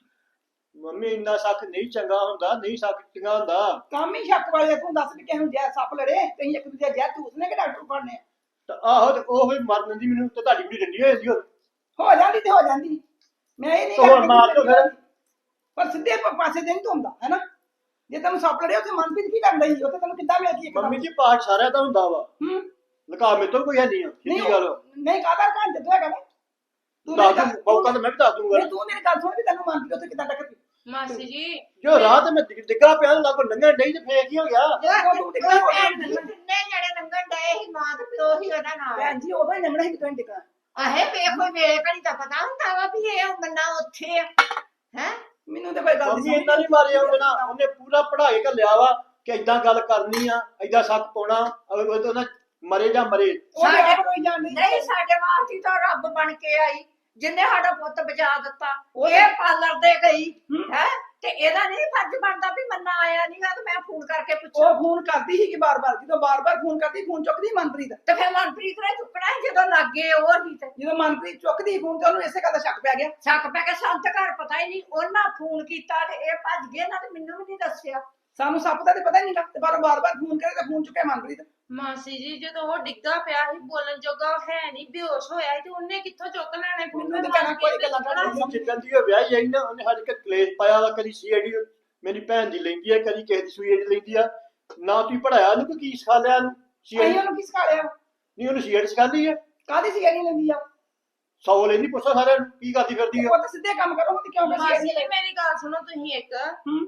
Speaker 5: ਮੰਮੀ ਇੰਨਾ ਸ਼ੱਕ ਨਹੀਂ ਚੰਗਾ ਹੁੰਦਾ, ਨਹੀਂ ਸ਼ੱਕ ਚੰਗਾ ਹੁੰਦਾ।
Speaker 2: ਕੰਮ ਹੀ ਸ਼ੱਕ ਵਾਲੇ ਆ। ਤੂੰ ਦੱਸ ਵੀ ਕਿਸੇ ਨੂੰ ਜ਼ਹਿਰ ਸੱਪ ਲੜੇ ਤੇ ਅਸੀਂ ਇੱਕ ਦੂਜੇ ਜ਼ਹਿਰ ਚੂਸਨੇ ਕਿ ਡਾਕਟਰ ਫੜਨੇ ਆ?
Speaker 5: ਤੇ ਆਹੋ ਤੇ ਉਹ ਹੋਈ ਮਰ ਦਿੰਦੀ ਮੈਨੂੰ ਤੇ ਤੁਹਾਡੀ ਵੀ ਡੰਡੀ ਹੋਈ ਸੀ ਉਹ।
Speaker 2: ਹੋ ਜਾਂਦੀ ਤੇ ਹੋ ਜਾਂਦੀ। ਮੈਂ ਇਹ ਨਹੀਂ
Speaker 5: ਤੇ ਹੋਰ ਮਾਰ ਦਿਓ ਫਿਰ।
Speaker 2: ਪਰ ਸਿੱਧੇ ਪਾਸੇ ਤੇ ਨਹੀਂ ਧੁੰਦਾ ਹੈ ਨਾ। ਜੇ ਤੈਨੂੰ ਸੱਪ ਲੜੇ ਉੱਥੇ ਮਨਪ੍ਰੀਤ ਕੀ ਕਰਦਾ ਸੀ? ਉੱਥੇ ਤੈਨੂੰ ਕਿੱਦਾਂ ਮਿਲ ਗਈ?
Speaker 5: ਮੰਮੀ ਜੀ ਪਾਠ ਸਾਰਿਆਂ ਦਾ ਹੁੰਦਾ ਵਾ।
Speaker 2: ਹੂੰ
Speaker 5: ਲੁਕਾ ਮੇਰੇ ਤੋਂ ਕੋਈ ਹੈ ਨਹੀਂ ਆ।
Speaker 2: ਨਹੀਂ
Speaker 5: ਸਿੱਧੀ ਗੱਲ।
Speaker 2: ਨਹੀਂ ਕਾਹਦਾ ਘੰਟੇ ਤੋਂ ਹੈਗਾ ਵਾ। ਤੂੰ
Speaker 5: ਦੱਸ
Speaker 2: ਮੇਰੀ
Speaker 5: ਦੂੰ ਮੌਕਾ ਤਾਂ ਮੈਂ ਵੀ ਦੱਸ ਦੂੰਗਾ।
Speaker 2: ਨਹੀਂ ਤੂੰ ਮੇਰੀ ਗੱਲ ਸੁਣ ਵੀ ਤੈਨੂੰ ਮਨਪ੍ਰੀਤ ਉੱਥੇ ਕਿੱਦਾਂ ਟੱਕਰ ਗਈ?
Speaker 3: ਮਾਸੀ ਜੀ
Speaker 5: ਜੋ ਰਾਤ ਮੈਂ ਡਿੱਗਾ ਪਿਆ ਲਾਗੋ ਲੰਘਣ ਡਈ ਤੇ ਫੇਰ ਕੀ ਹੋ ਗਿਆ?
Speaker 2: ਜਿਹੜਾ ਤੂੰ ਟਿਕਣਾ ਹੋ ਗਿਆ
Speaker 4: ਕਿੰਨੇ ਜਣੇ ਲੰਘਣ ਡਏ ਸੀ, ਮਾਂ ਤੇ ਪਿਓ ਹੀ ਉਹਦਾ ਨਾਲ।
Speaker 2: ਭੈਣ ਜੀ ਉਦੋਂ ਹੀ ਲੰਘਣਾ ਸੀ ਕਿਦੋਂ ਟਿਕਣਾ।
Speaker 4: ਆਹੇ ਵੇਖੋ ਵੇਲੇ ਘੜੀ ਤਾਂ ਪਤਾ ਹੁੰਦਾ ਵਾ ਵੀ ਇਹ ਬੰਦਾ ਉੱਥੇ ਆ ਹੈ।
Speaker 2: ਮੈਨੂੰ ਤੇ ਕੋਈ ਗੱਲ
Speaker 5: ਮੰਮੀ ਇੰਨਾ ਨਹੀਂ ਮਾਰਿਆ ਉਹਦੇ ਨਾਲ। ਉਹਨੇ ਪੂਰਾ ਪੜ੍ਹਾ ਕੇ ਘੱਲਿਆ ਵਾ ਕਿ ਏਦਾਂ ਗੱਲ ਕਰਨੀ ਆ, ਏਦਾਂ ਸ਼ੱਕ ਪਾਉਣਾ, ਅਗਰ ਉਹ ਤਾਂ ਮਰੇ ਜਾਂ ਮਰੇ।
Speaker 2: ਉਹਨੇ ਆਪ ਕੋਈ ਜਾਣ
Speaker 4: ਨਹੀਂ ਸਾਡੇ ਵਾਸਤੇ ਤਾਂ ਰੱਬ ਬਣ ਕੇ ਆਈ, ਜਿੰਨੇ ਸਾਡਾ ਪੁੱਤ ਬਚਾ ਦਿੱਤਾ।
Speaker 2: ਉਹ
Speaker 4: ਇਹ ਪਾਰਲਰ ਦੇ ਗਈ
Speaker 2: ਹੂੰ।
Speaker 4: ਹੈ ਤੇ ਇਹਦਾ ਨਹੀਂ ਫਰਜ਼ ਬਣਦਾ ਵੀ ਮੰਨਾ ਆਇਆ ਨਹੀਂਗਾ ਤੇ ਮੈਂ ਫੋਨ ਕਰਕੇ ਪੁੱਛਾਂ।
Speaker 2: ਉਹ ਫੋਨ ਕਰਦੀ ਸੀ ਕਿ ਬਾਰ-ਬਾਰ ਜਦੋਂ ਬਾਰ-ਬਾਰ ਫੋਨ ਕਰਦੀ ਫੋਨ ਚੁੱਕਦੀ ਮਨਪ੍ਰੀਤ।
Speaker 4: ਤੇ ਫਿਰ ਮਨਪ੍ਰੀਤ ਨੇ ਚੁੱਕਣਾ ਸੀ ਜਦੋਂ ਲੱਗੇ ਉਹ ਹੀ ਤੇ
Speaker 2: ਜਦੋਂ ਮਨਪ੍ਰੀਤ ਚੁੱਕਦੀ ਫੋਨ ਤੇ ਉਹਨੂੰ ਇਸੇ ਗੱਲ ਦਾ ਸ਼ੱਕ ਪੈ ਗਿਆ।
Speaker 4: ਸ਼ੱਕ ਪੈ ਕੇ ਸਾਨੂੰ ਤਾਂ ਘਰ ਪਤਾ ਹੀ ਨਹੀਂ। ਉਹਨਾਂ ਫੋਨ ਕੀਤਾ ਤੇ ਇਹ ਭੱਜ ਗਏ ਨਾ, ਤੇ ਮੈਨੂੰ ਵੀ ਨਹੀਂ ਦੱਸਿਆ।
Speaker 2: ਸਾਨੂੰ ਸੱਪ ਦਾ ਤੇ ਪਤਾ ਹੀ ਨਹੀਂਗਾ ਤੇ ਬਾਰ-ਬਾਰ ਫੋਨ ਕਰੇ ਤੇ ਫੋਨ ਚੁੱਕਿਆ ਮਨਪ੍ਰੀਤ।
Speaker 3: ਮਾਸੀ ਜੀ ਜਦੋਂ ਉਹ ਡਿੱਗਾ ਪਿਆ ਸੀ, ਬੋਲਣ ਜੋਗਾ ਉਹ ਹੈ ਨਹੀਂ, ਬੇਹੋਸ਼ ਹੋਇਆ ਸੀ, ਤੇ ਉਹਨੇ ਕਿੱਥੋਂ ਚੁੱਕ ਲੈਣੇ ਫੋਨ?
Speaker 2: ਮੈਨੂੰ ਤਾਂ ਕਹਿਣਾ ਕੋਈ ਗੱਲਾਂ ਕਰਦਾ।
Speaker 5: ਜਿੱਦਾਂ ਦੀ ਉਹ ਵਿਆਹੀ ਆਈ ਨਾ ਉਹਨੇ ਸਾਡੇ ਘਰ ਕਲੇਸ਼ ਪਾਇਆ ਵਾ। ਕਦੀ ਸੀਆਈਡੀ ਮੇਰੀ ਭੈਣ ਦੀ ਲੈਂਦੀ ਆ, ਕਦੀ ਕਿਸੇ ਦੀ ਸੀਆਈਡੀ ਲੈਂਦੀ ਆ। ਨਾ ਤੁਸੀਂ ਪੜਾਇਆ ਉਹਨੂੰ ਕੀ ਸਿਖਾ ਲਿਆ ਉਹਨੂੰ?
Speaker 2: ਅਸੀਂ
Speaker 5: ਸੀਆਈਡੀ
Speaker 2: ਉਹਨੂੰ ਕੀ ਸਿਖਾ ਲਿਆ?
Speaker 5: ਨਹੀਂ ਉਹਨੂੰ ਸੀਆਈਡੀ ਸਿਖਾਉਂਦੀ ਆ।
Speaker 2: ਕਾਹਦੀ ਸੀ ਨਹੀਂ ਲੈਂਦੀ ਆ?
Speaker 5: 100 ਲੈਂਦੀ, ਪੁੱਛੋ ਸਾਰਿਆਂ ਨੂੰ ਕੀ ਕਰਦੀ ਫਿਰਦੀ ਆ।
Speaker 2: ਉਹ ਤਾਂ ਸਿੱਧੇ ਕੰਮ ਕਰੋ ਤੇ ਕਿਉਂ
Speaker 3: ਮਾਸੀ
Speaker 2: ਕਰਦੀ
Speaker 3: ਜੀ ਮੇਰੀ ਗੱਲ ਸੁਣੋ ਤੁਸੀਂ ਇੱਕ।
Speaker 2: ਹੂੰ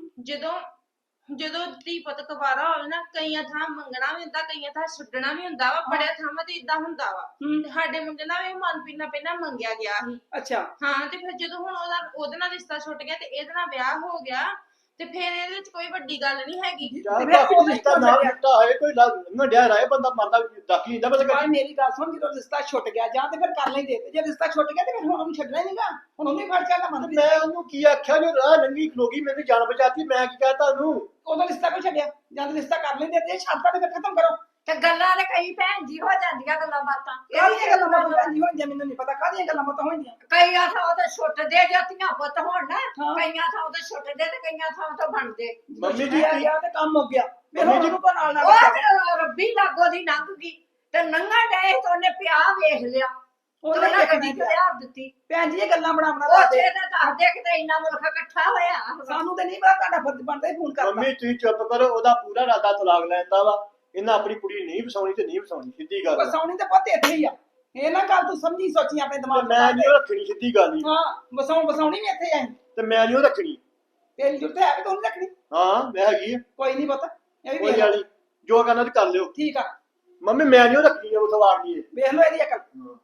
Speaker 3: ਜਦੋਂ ਧੀ ਪੁੱਤ ਕੁਵਾਰਾ ਹੋਵੇ ਨਾ, ਕਈਆਂ ਥਾਂ ਮੰਗਣਾ ਵੀ ਹੁੰਦਾ, ਕਈਆਂ ਥਾਂ ਛੱਡਣਾ ਵੀ ਹੁੰਦਾ ਵਾ। ਬੜਿਆ ਥਾਵਾਂ ਤੇ ਇਦਾਂ ਹੁੰਦਾ ਵਾ। ਤੇ ਸਾਡੇ ਮੁੰਡੇ ਨਾਲ ਵੀ ਮਨਪ੍ਰੀਤ ਨਾਲ ਪਹਿਲਾਂ ਮੰਗਿਆ ਗਿਆ ਸੀ।
Speaker 2: ਅੱਛਾ
Speaker 3: ਹਾਂ ਤੇ ਫਿਰ ਜਦੋਂ ਹੁਣ ਉਹਦੇ ਨਾਲ ਰਿਸ਼ਤਾ ਛੁੱਟ ਗਿਆ ਤੇ ਇਹਦੇ ਨਾਲ ਵਿਆਹ ਹੋ ਗਿਆ, ਤੇ ਫਿਰ ਇਹਦੇ ਵਿੱਚ ਕੋਈ ਵੱਡੀ ਗੱਲ ਨਹੀਂ ਹੈਗੀ।
Speaker 5: ਯਾਰ
Speaker 2: ਤੇ ਫਿਰ
Speaker 5: ਬਾਕੀ
Speaker 2: ਉਹ
Speaker 5: ਰਿਸ਼ਤਾ ਨਾ ਟੁੱਟਾ ਹੋਏ ਕੋਈ ਲੰਘਿਆ ਰਹੇ ਬੰਦਾ ਮਰਦਾ ਦਾਖੀ ਜਾਂਦਾ ਬਸ
Speaker 2: ਭਾਈ ਮੇਰੀ ਗੱਲ ਸੁਣ, ਜਦੋਂ ਰਿਸ਼ਤਾ ਛੁੱਟ ਗਿਆ ਜਾਂ ਤੇ ਫਿਰ ਕਰ ਲੈਂਦੇ, ਤੇ ਜੇ ਰਿਸ਼ਤਾ ਛੁੱਟ ਗਿਆ ਤੇ ਫਿਰ ਹੁਣ ਉਹਨੂੰ ਛੱਡਣਾ ਹੀ ਨਹੀਂਗਾ, ਹੁਣ ਉਹਨੇ ਫੜ ਚੱਲਣਾ ਮੰਨ।
Speaker 5: ਮੈਂ ਉਹਨੂੰ ਕੀ ਆਖਿਆ ਜੋ ਰਾਹ ਲੰਗੀ ਖਲੋਗੀ ਮੈਨੂੰ ਜਾਨ ਬਚਾਤੀ ਮੈਂ ਕੀ ਕਹਤਾ ਉਹਨੂੰ
Speaker 2: ਉਹਦਾ ਰਿਸ਼ਤਾ ਕੋਈ ਛੱਡਿਆ, ਜਾਂ ਤੇ ਰਿਸ਼ਤਾ ਕਰ ਲੈਂਦੇ ਤੇ ਛੱਡਤਾ ਤੇ ਫਿਰ ਖਤਮ ਕਰੋ।
Speaker 4: ਤੇ ਗੱਲਾਂ ਨੇ ਕਈ ਭੈਣ ਜੀ ਹੋ ਜਾਂਦੀਆਂ ਗੱਲਾਂ ਬਾਤਾਂ।
Speaker 2: ਕਾਹਦੀਆਂ ਗੱਲਾਂ ਬਾਤਾਂ ਜੀ ਹੋਣਗੀਆਂ ਮੈਨੂੰ ਨਹੀਂ ਪਤਾ, ਕਾਹਦੀਆਂ ਗੱਲਾਂ ਬਾਤਾਂ ਹੋਣਗੀਆਂ।
Speaker 4: ਕਈਆਂ ਥਾਂ ਤੇ ਛੁੱਟਦੇ ਜਾਂਦੀਆਂ ਪੁੱਤ ਹੋਣ ਨਾ,
Speaker 2: ਹਾਂ।
Speaker 4: ਕਈਆਂ ਥਾਂ ਤੇ ਛੁੱਟਦੇ ਤੇ ਕਈਆਂ ਥਾਂ ਤੋਂ ਬਣਦੇ।
Speaker 5: ਮੰਮੀ ਜੀ
Speaker 2: ਛੁੱਟਿਆ ਗਿਆ ਤੇ ਕੰਮ ਹੋ ਗਿਆ, ਫਿਰ
Speaker 5: ਮੰਮੀ
Speaker 2: ਹੁਣ
Speaker 5: ਜੀ-
Speaker 2: ਉਹਨੂੰ ਕੋ ਨਾਲ
Speaker 4: ਉਹ
Speaker 2: ਨਾਲ
Speaker 4: ਤੇ ਰੱਬੀ ਲਾਗੋ ਦੀ ਲੰਘ ਗਈ ਤੇ ਨੰਗਾ ਡਏ ਤੇ ਉਹਨੇ ਪਿਆ ਵੇਖ ਲਿਆ,
Speaker 2: ਉਹਨੇ
Speaker 4: ਉਹਨੇ ਗੱਡੀ
Speaker 2: ਵੇਖਣਾ
Speaker 4: ਚ ਲਿਆ ਦਿੱਤੀ।
Speaker 2: ਭੈਣ ਜੀ ਇਹ ਗੱਲਾਂ ਬਣਾ ਬਣਾ
Speaker 4: ਉੱਥੇ
Speaker 2: ਦੱਸਦੇ,
Speaker 4: ਤੇ ਦੱਸਦੇ ਕਿਤੇ ਇੰਨਾ ਮੁਲਕ ਇਕੱਠਾ ਹੋਇਆ।
Speaker 2: ਸਾਨੂੰ ਤੇ ਨਹੀਂ ਪਤਾ, ਤੁਹਾਡਾ ਫਰਜ਼ ਬਣਦਾ ਹੀ ਫੋਨ ਕਰਦਾ।
Speaker 5: ਮੰਮੀ ਤੁਸੀਂ ਚੁੱਪ ਕਰੋ ਉਹਦਾ ਪੂਰਾ ਇਰਾਦਾ ਤਲਾਕ ਲੈਂਦਾ ਵਾ ਇਹਨਾਂ ਆਪਣੀ ਕੁੜੀ ਨਹੀਂ ਵਸਾਉਣੀ ਤੇ ਨਹੀਂ ਵਸਾਉਣੀ ਸਿੱਧੀ ਗੱਲ ਆ।
Speaker 2: ਵਸਾਉਣੀ ਤੇ ਪੁੱਤ ਇੱਥੇ ਹੀ ਆ, ਇਹ ਨਾ ਗੱਲ ਤੂੰ ਸਮਝੀ ਸੋਚੀ ਆਪਣੇ
Speaker 5: ਤੇ
Speaker 2: ਦਿਮਾਗ
Speaker 5: ਮੈਂ ਨਹੀਂ ਉਹ ਰੱਖਣੀ ਸਿੱਧੀ ਗੱਲ ਹੀ
Speaker 2: ਹਾਂ ਵਸਾਉਣੀ ਵੀ ਇੱਥੇ ਆਈ,
Speaker 5: ਤੇ ਮੈਂ ਨਹੀਂ ਉਹ ਰੱਖਣੀ
Speaker 2: ਤੇਰੀ ਜੁੱਤੇ ਹੈ ਵੀ ਤੂੰ ਨਹੀਂ ਰੱਖਣੀ,
Speaker 5: ਹਾਂ ਮੈਂ ਹੈਗੀ ਆ
Speaker 2: ਕੋਈ ਨਹੀਂ ਪਤਾ, ਇਹ ਵੀ
Speaker 5: ਕੋਈ
Speaker 2: ਵੇਖ
Speaker 5: ਗੱਲ
Speaker 2: ਲਓ।
Speaker 5: ਨੀ ਜੋ ਕਰਨਾ ਤੇ ਕਰ ਲਿਓ
Speaker 2: ਠੀਕ ਆ,
Speaker 5: ਮੰਮੀ ਮੈਂ ਨਹੀਂ ਉਹ ਰੱਖਣੀ ਉਹ ਸਵਾਰ ਨਹੀਂ
Speaker 2: ਵੇਖ ਲਓ ਇਹਦੀ ਅਕਲ,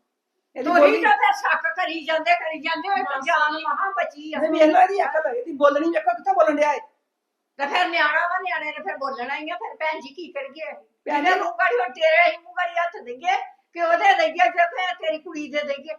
Speaker 2: ਇਹਦੀ
Speaker 4: ਤੁਸੀਂ
Speaker 2: ਬੋਲੀ
Speaker 4: ਤਾਂ ਫਿਰ ਸ਼ੱਕ ਕਰੀ ਜਾਂਦੇ ਹੋਏ ਤਾਂ ਜਾਨ ਮਹਾ ਬਚੀ ਆ।
Speaker 2: ਇਹ ਵੇਖ ਲਓ ਇਹਦੀ ਅਕਲ, ਇਹਦੀ ਬੋਲਣੀ ਵੇਖੋ ਕਿੱਥੋਂ ਬੋਲਣ ਡਿਆ ਹੈ।
Speaker 4: ਤੇ ਫਿਰ ਨਿਆਣਾ ਵਾ, ਨਿਆਣੇ ਨੇ ਫਿਰ ਬੋਲਣਾ ਹੀ ਆ। ਫਿਰ ਭੈਣ ਜੀ ਕੀ ਕਰੀਏ?
Speaker 2: ਭੈਣ
Speaker 4: ਭੈਣ
Speaker 2: ਜੀ-
Speaker 4: ਨੂੰ ਗਾੜੀ ਹੁਣ ਤੇਰੇ ਹੀ ਮੂੰਹ ਗਾੜੀ ਹੱਥ ਦੇਈਏ ਕਿ ਉਹਦੇ ਦੇਈਏ ਜੇ ਫਿਰ ਤੇਰੀ ਕੁੜੀ ਦੇ ਦੇਈਏ।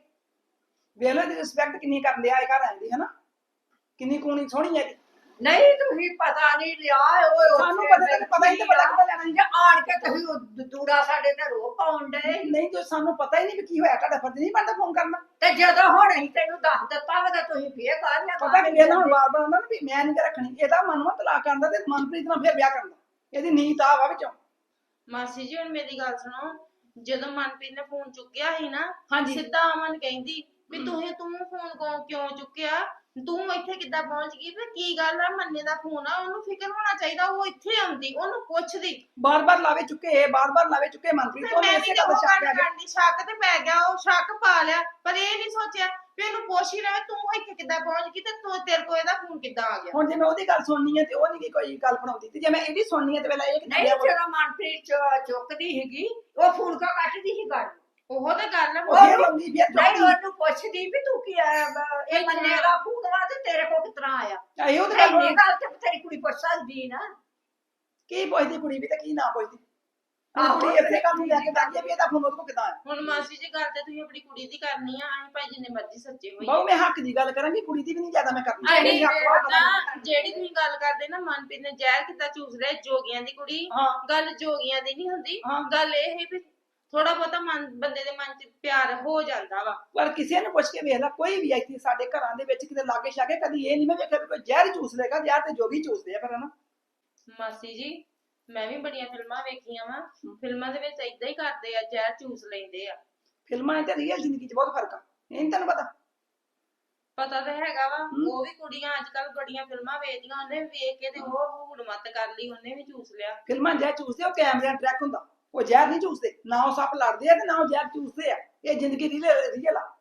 Speaker 2: ਵੇਖ ਲਓ ਇਹਦੀ ਰਿਸਪੈਕਟ ਕਿੰਨੀ ਕਰਨ ਡਿਆ ਇਹ ਘਰ ਆਂਦੀ ਹੈ ਨਾ, ਕਿੰਨੀ ਕੂਣੀ ਸੋਹਣੀ ਹੈ ਇਹਦੀ।
Speaker 4: ਨਹੀਂ ਤੁਸੀਂ ਪਤਾ ਨਹੀਂ ਲਿਆ ਓਏ
Speaker 2: ਸਾਨੂੰ ਪਤਾ ਹੀ ਨਹੀਂ ਪਤਾ ਕਿੱਦਾਂ ਲੈਣਾ ਸੀ।
Speaker 4: ਜੇ ਆਣ ਕੇ ਤੁਸੀਂ ਉਹ ਦੂਰਾ ਸਾਡੇ ਤੇ ਰੋ ਪਾਉਣ ਡਏ।
Speaker 2: ਨਹੀਂ ਜੋ ਸਾਨੂੰ ਪਤਾ ਹੀ ਨਹੀਂ ਵੀ ਕੀ ਹੋਇਆ, ਤੁਹਾਡਾ ਫਰਜ਼ ਨਹੀਂ ਬਣਦਾ ਫੋਨ ਕਰਨਾ।
Speaker 4: ਤੇ ਜਦੋਂ ਹੁਣ ਅਸੀਂ ਤੈਨੂੰ ਦੱਸ ਦਿੱਤਾ ਵਾ ਤਾਂ ਤੁਸੀਂ ਫੇਰ ਕਰ ਲਿਆ।
Speaker 2: ਪਤਾ ਕਿ ਵੇਲਾ ਹੁਣ ਬਾਰ-ਬਾਰ ਆਉਂਦਾ ਨਾ ਵੀ ਮੈਂ ਨਹੀਂ ਰੱਖਣੀ, ਇਹਦਾ ਮਨ ਵਾ ਤਲਾਕ ਕਰਨ ਦਾ ਤੇ ਮਨਪ੍ਰੀਤ ਨਾਲ ਫਿਰ ਵਿਆਹ ਕਰਨ ਦਾ, ਇਹਦੀ ਨੀਤ ਆ ਵਾ ਵਿੱਚੋਂ।
Speaker 3: ਮਾਸੀ ਜੀ ਹੁਣ ਮੇਰੀ ਗੱਲ ਸੁਣੋ, ਜਦੋਂ ਮਨਪ੍ਰੀਤ ਨੇ ਫੋਨ ਚੁੱਕਿਆ ਸੀ ਨਾ,
Speaker 2: ਹਾਂਜੀ।
Speaker 3: ਸਿੱਧਾ ਅਮਨ ਕਹਿੰਦੀ ਵੀ ਤੂੰ ਫੋਨ ਕਿਉਂ ਚੁੱਕਿਆ, ਤੂੰ ਇੱਥੇ ਕਿੱਦਾਂ ਪਹੁੰਚ ਗਈ, ਵੀ ਕੀ ਗੱਲ ਆ, ਮੰਨੇ ਦਾ ਫੋਨ ਆ, ਉਹਨੂੰ ਫਿਕਰ ਹੋਣਾ ਚਾਹੀਦਾ, ਉਹ ਇੱਥੇ ਆਉਂਦੀ, ਉਹਨੂੰ ਪੁੱਛਦੀ।
Speaker 2: ਬਾਰ-ਬਾਰ ਲਾਵੇ ਚੁੱਕੇ ਮਨਪ੍ਰੀਤ
Speaker 3: ਤੇ
Speaker 2: ਤੋਂ
Speaker 3: ਮੈਂ
Speaker 2: ਇਸੇ
Speaker 3: ਵੀ
Speaker 2: ਗੱਲ
Speaker 3: ਉਹ
Speaker 2: ਸ਼ੱਕ
Speaker 3: ਗੱਲ
Speaker 2: ਆ ਗਿਆ।
Speaker 3: ਕਰਨੀ, ਸ਼ੱਕ ਤੇ ਪੈ ਗਿਆ, ਉਹ ਸ਼ੱਕ ਪਾ ਲਿਆ, ਪਰ ਇਹ ਨਹੀਂ ਸੋਚਿਆ ਵੀ ਇਹਨੂੰ ਪੁੱਛ ਹੀ ਲਵੇ ਤੂੰ ਇੱਥੇ ਕਿੱਦਾਂ ਪਹੁੰਚ ਗਈ ਤੇ ਤੂੰ ਤੇਰੇ ਕੋਲ ਇਹਦਾ ਫੋਨ ਕਿੱਦਾਂ ਆ ਗਿਆ।
Speaker 2: ਹੁਣ ਜੇ ਮੈਂ ਉਹਦੀ ਗੱਲ ਸੁਣਨੀ ਹੈ ਤੇ ਉਹ ਨਹੀਂ ਕੋਈ ਗੱਲ ਬਣਾਉਂਦੀ, ਤੇ ਜੇ ਮੈਂ ਇਹਦੀ ਸੁਣਨੀ ਹੈ ਤੇ ਵੇਲਾ ਇਹ
Speaker 4: ਨਹੀਂ ਜਦੋਂ ਮਨਪ੍ਰੀਤ ਚੁੱਕਦੀ ਸੀਗੀ ਉਹ ਫੋਨ ਕਾ ਕੱਟਦੀ ਸੀ ਗੱਲ।
Speaker 3: ਉਹ ਤਾਂ ਗੱਲ ਹੈ,
Speaker 2: ਉਹ ਫਿਰ ਆਉਂਦੀ ਫਿਰ
Speaker 4: ਨਹੀਂ
Speaker 2: ਚੁੱਕਦੀ।
Speaker 4: ਉਹਨੂੰ ਪੁੱਛਦੀ ਵੀ ਤੂੰ ਕੀ ਇਹ ਮੰਨੇ ਦਾ ਫੋਨ ਵਾ ਤੇ ਤੇਰੇ ਕੋਲ ਕਿਤਨਾ ਆਇਆ।
Speaker 2: ਇਹੋ ਤੇ ਗੱਲ
Speaker 4: ਇੰਨੀ ਗੱਲ ਤੇ ਤੇਰੀ ਕੁੜੀ ਪੁੱਛ ਸਕਦੀ ਨਾ।
Speaker 2: ਕੀ ਪੁੱਛਦੀ ਕੁੜੀ ਵੀ ਤੇ ਕੀ ਨਾ ਪੁੱਛਦੀ।
Speaker 4: ਆਹੋ,
Speaker 2: ਕੁੜੀ ਇਸੇ ਗੱਲ ਨੂੰ ਲੈ ਕੇ ਬੈਠੀ ਆ ਵੀ ਇਹਦਾ ਫੋਨ ਉਹਦੇ ਕੋਲ ਕਿੱਦਾਂ ਆਇਆ।
Speaker 3: ਹੁਣ ਮਾਸੀ ਜੀ ਗੱਲ ਤੇ ਤੁਸੀਂ ਆਪਣੀ ਕੁੜੀ ਦੀ ਕਰਨੀ ਆ, ਅਸੀਂ ਭਾਈ ਜਿੰਨੇ ਮਰਜ਼ੀ ਸੱਚੇ ਹੋਈਏ।
Speaker 2: ਬਹੁ ਮੈਂ ਹੱਕ ਦੀ ਗੱਲ ਕਰਾਂਗੀ, ਕੁੜੀ ਦੀ ਵੀ ਨਹੀਂ ਜ਼ਿਆਦਾ ਮੈਂ ਕਰਨੀ।
Speaker 3: ਜਿਹੜੀ
Speaker 2: ਹੱਕ ਵਾ ਪਤਾ ਨਹੀਂ।
Speaker 3: ਨਾ ਜਿਹੜੀ ਤੁਸੀਂ ਗੱਲ ਕਰਦੇ ਨਾ ਮਨਪ੍ਰੀਤ ਨੇ ਜ਼ਹਿਰ ਕਿੱਦਾਂ ਚੂਸ ਲਿਆ ਜੋਗੀਆਂ ਦੀ ਕੁੜੀ,
Speaker 2: ਹਾਂ।
Speaker 3: ਗੱਲ ਜੋਗੀਆਂ ਦੀ ਨਹੀਂ ਹੁੰਦੀ,
Speaker 2: ਹਾਂ।
Speaker 3: ਗੱਲ ਇਹ ਹੈ ਵੀ ਥੋੜਾ ਬਹੁਤਾ ਬੰਦੇ ਦੇ ਮਨ 'ਚ ਪਿਆਰ ਹੋ ਜਾਂਦਾ ਵਾ।
Speaker 2: ਪਰ ਕਿਸੇ ਨੂੰ ਪੁੱਛ ਕੇ ਵੇਖ ਲੈ, ਕੋਈ ਵੀ ਇੱਥੇ ਸਾਡੇ ਘਰਾਂ ਦੇ ਵਿੱਚ ਕਿਤੇ ਲਾਗੇ ਛਾਗੇ ਕਦੀ ਇਹ ਨਹੀਂ ਮੈਂ ਵੇਖਿਆ ਵੀ ਕੋਈ ਜ਼ਹਿਰ ਚੂਸ ਲੇਗਾ, ਜ਼ਹਿਰ ਤੇ ਜੋਗੀ ਚੂਸਦੇ ਆ ਫਿਰ ਹਨਾ।
Speaker 3: ਮਾਸੀ ਜੀ ਮੈਂ ਵੀ ਬੜੀਆਂ ਫਿਲਮਾਂ ਵੇਖੀਆਂ ਵਾ, ਫਿਲਮਾਂ ਦੇ ਵਿੱਚ ਏਦਾਂ ਹੀ ਕਰਦੇ ਆ, ਜ਼ਹਿਰ ਚੂਸ ਲੈਂਦੇ ਆ।
Speaker 2: ਫਿਲਮਾਂ ਤੇ ਰੀਅਲ ਜ਼ਿੰਦਗੀ 'ਚ ਬਹੁਤ ਫਰਕ ਆ, ਇਹ ਨਹੀਂ ਤੈਨੂੰ ਪਤਾ।
Speaker 3: ਪਤਾ ਤਾਂ ਹੈਗਾ ਵਾ, ਉਹ ਵੀ ਕੁੜੀਆਂ ਅੱਜ ਕੱਲ ਬੜੀਆਂ ਫਿਲਮਾਂ ਵੇਖਦੀਆਂ, ਉਹਨੇ ਵੀ ਵੇਖ ਕੇ ਤੇ ਉਹ ਹੂੜ ਮੱਤ ਕਰ ਲਈ, ਉਹਨੇ ਵੀ ਚੂਸ ਲਿਆ।
Speaker 2: ਫਿਲਮਾਂ ਜ਼ਹਿਰ ਚੂਸਦੇ ਉਹ ਕੈਮਰਿਆਂ ਟਰੈਕ ਹੁੰਦਾ, ਉਹ ਜ਼ਹਿਰ ਨਹੀਂ ਚੂਸਦੇ, ਨਾ ਉਹ ਸੱਪ ਲੜਦੇ ਆ ਤੇ ਨਾ ਉਹ ਜ਼ਹਿਰ ਚੂਸਦੇ ਆ। ਇਹ ਜ਼ਿੰਦਗੀ ਰੀਅਲ ਆ।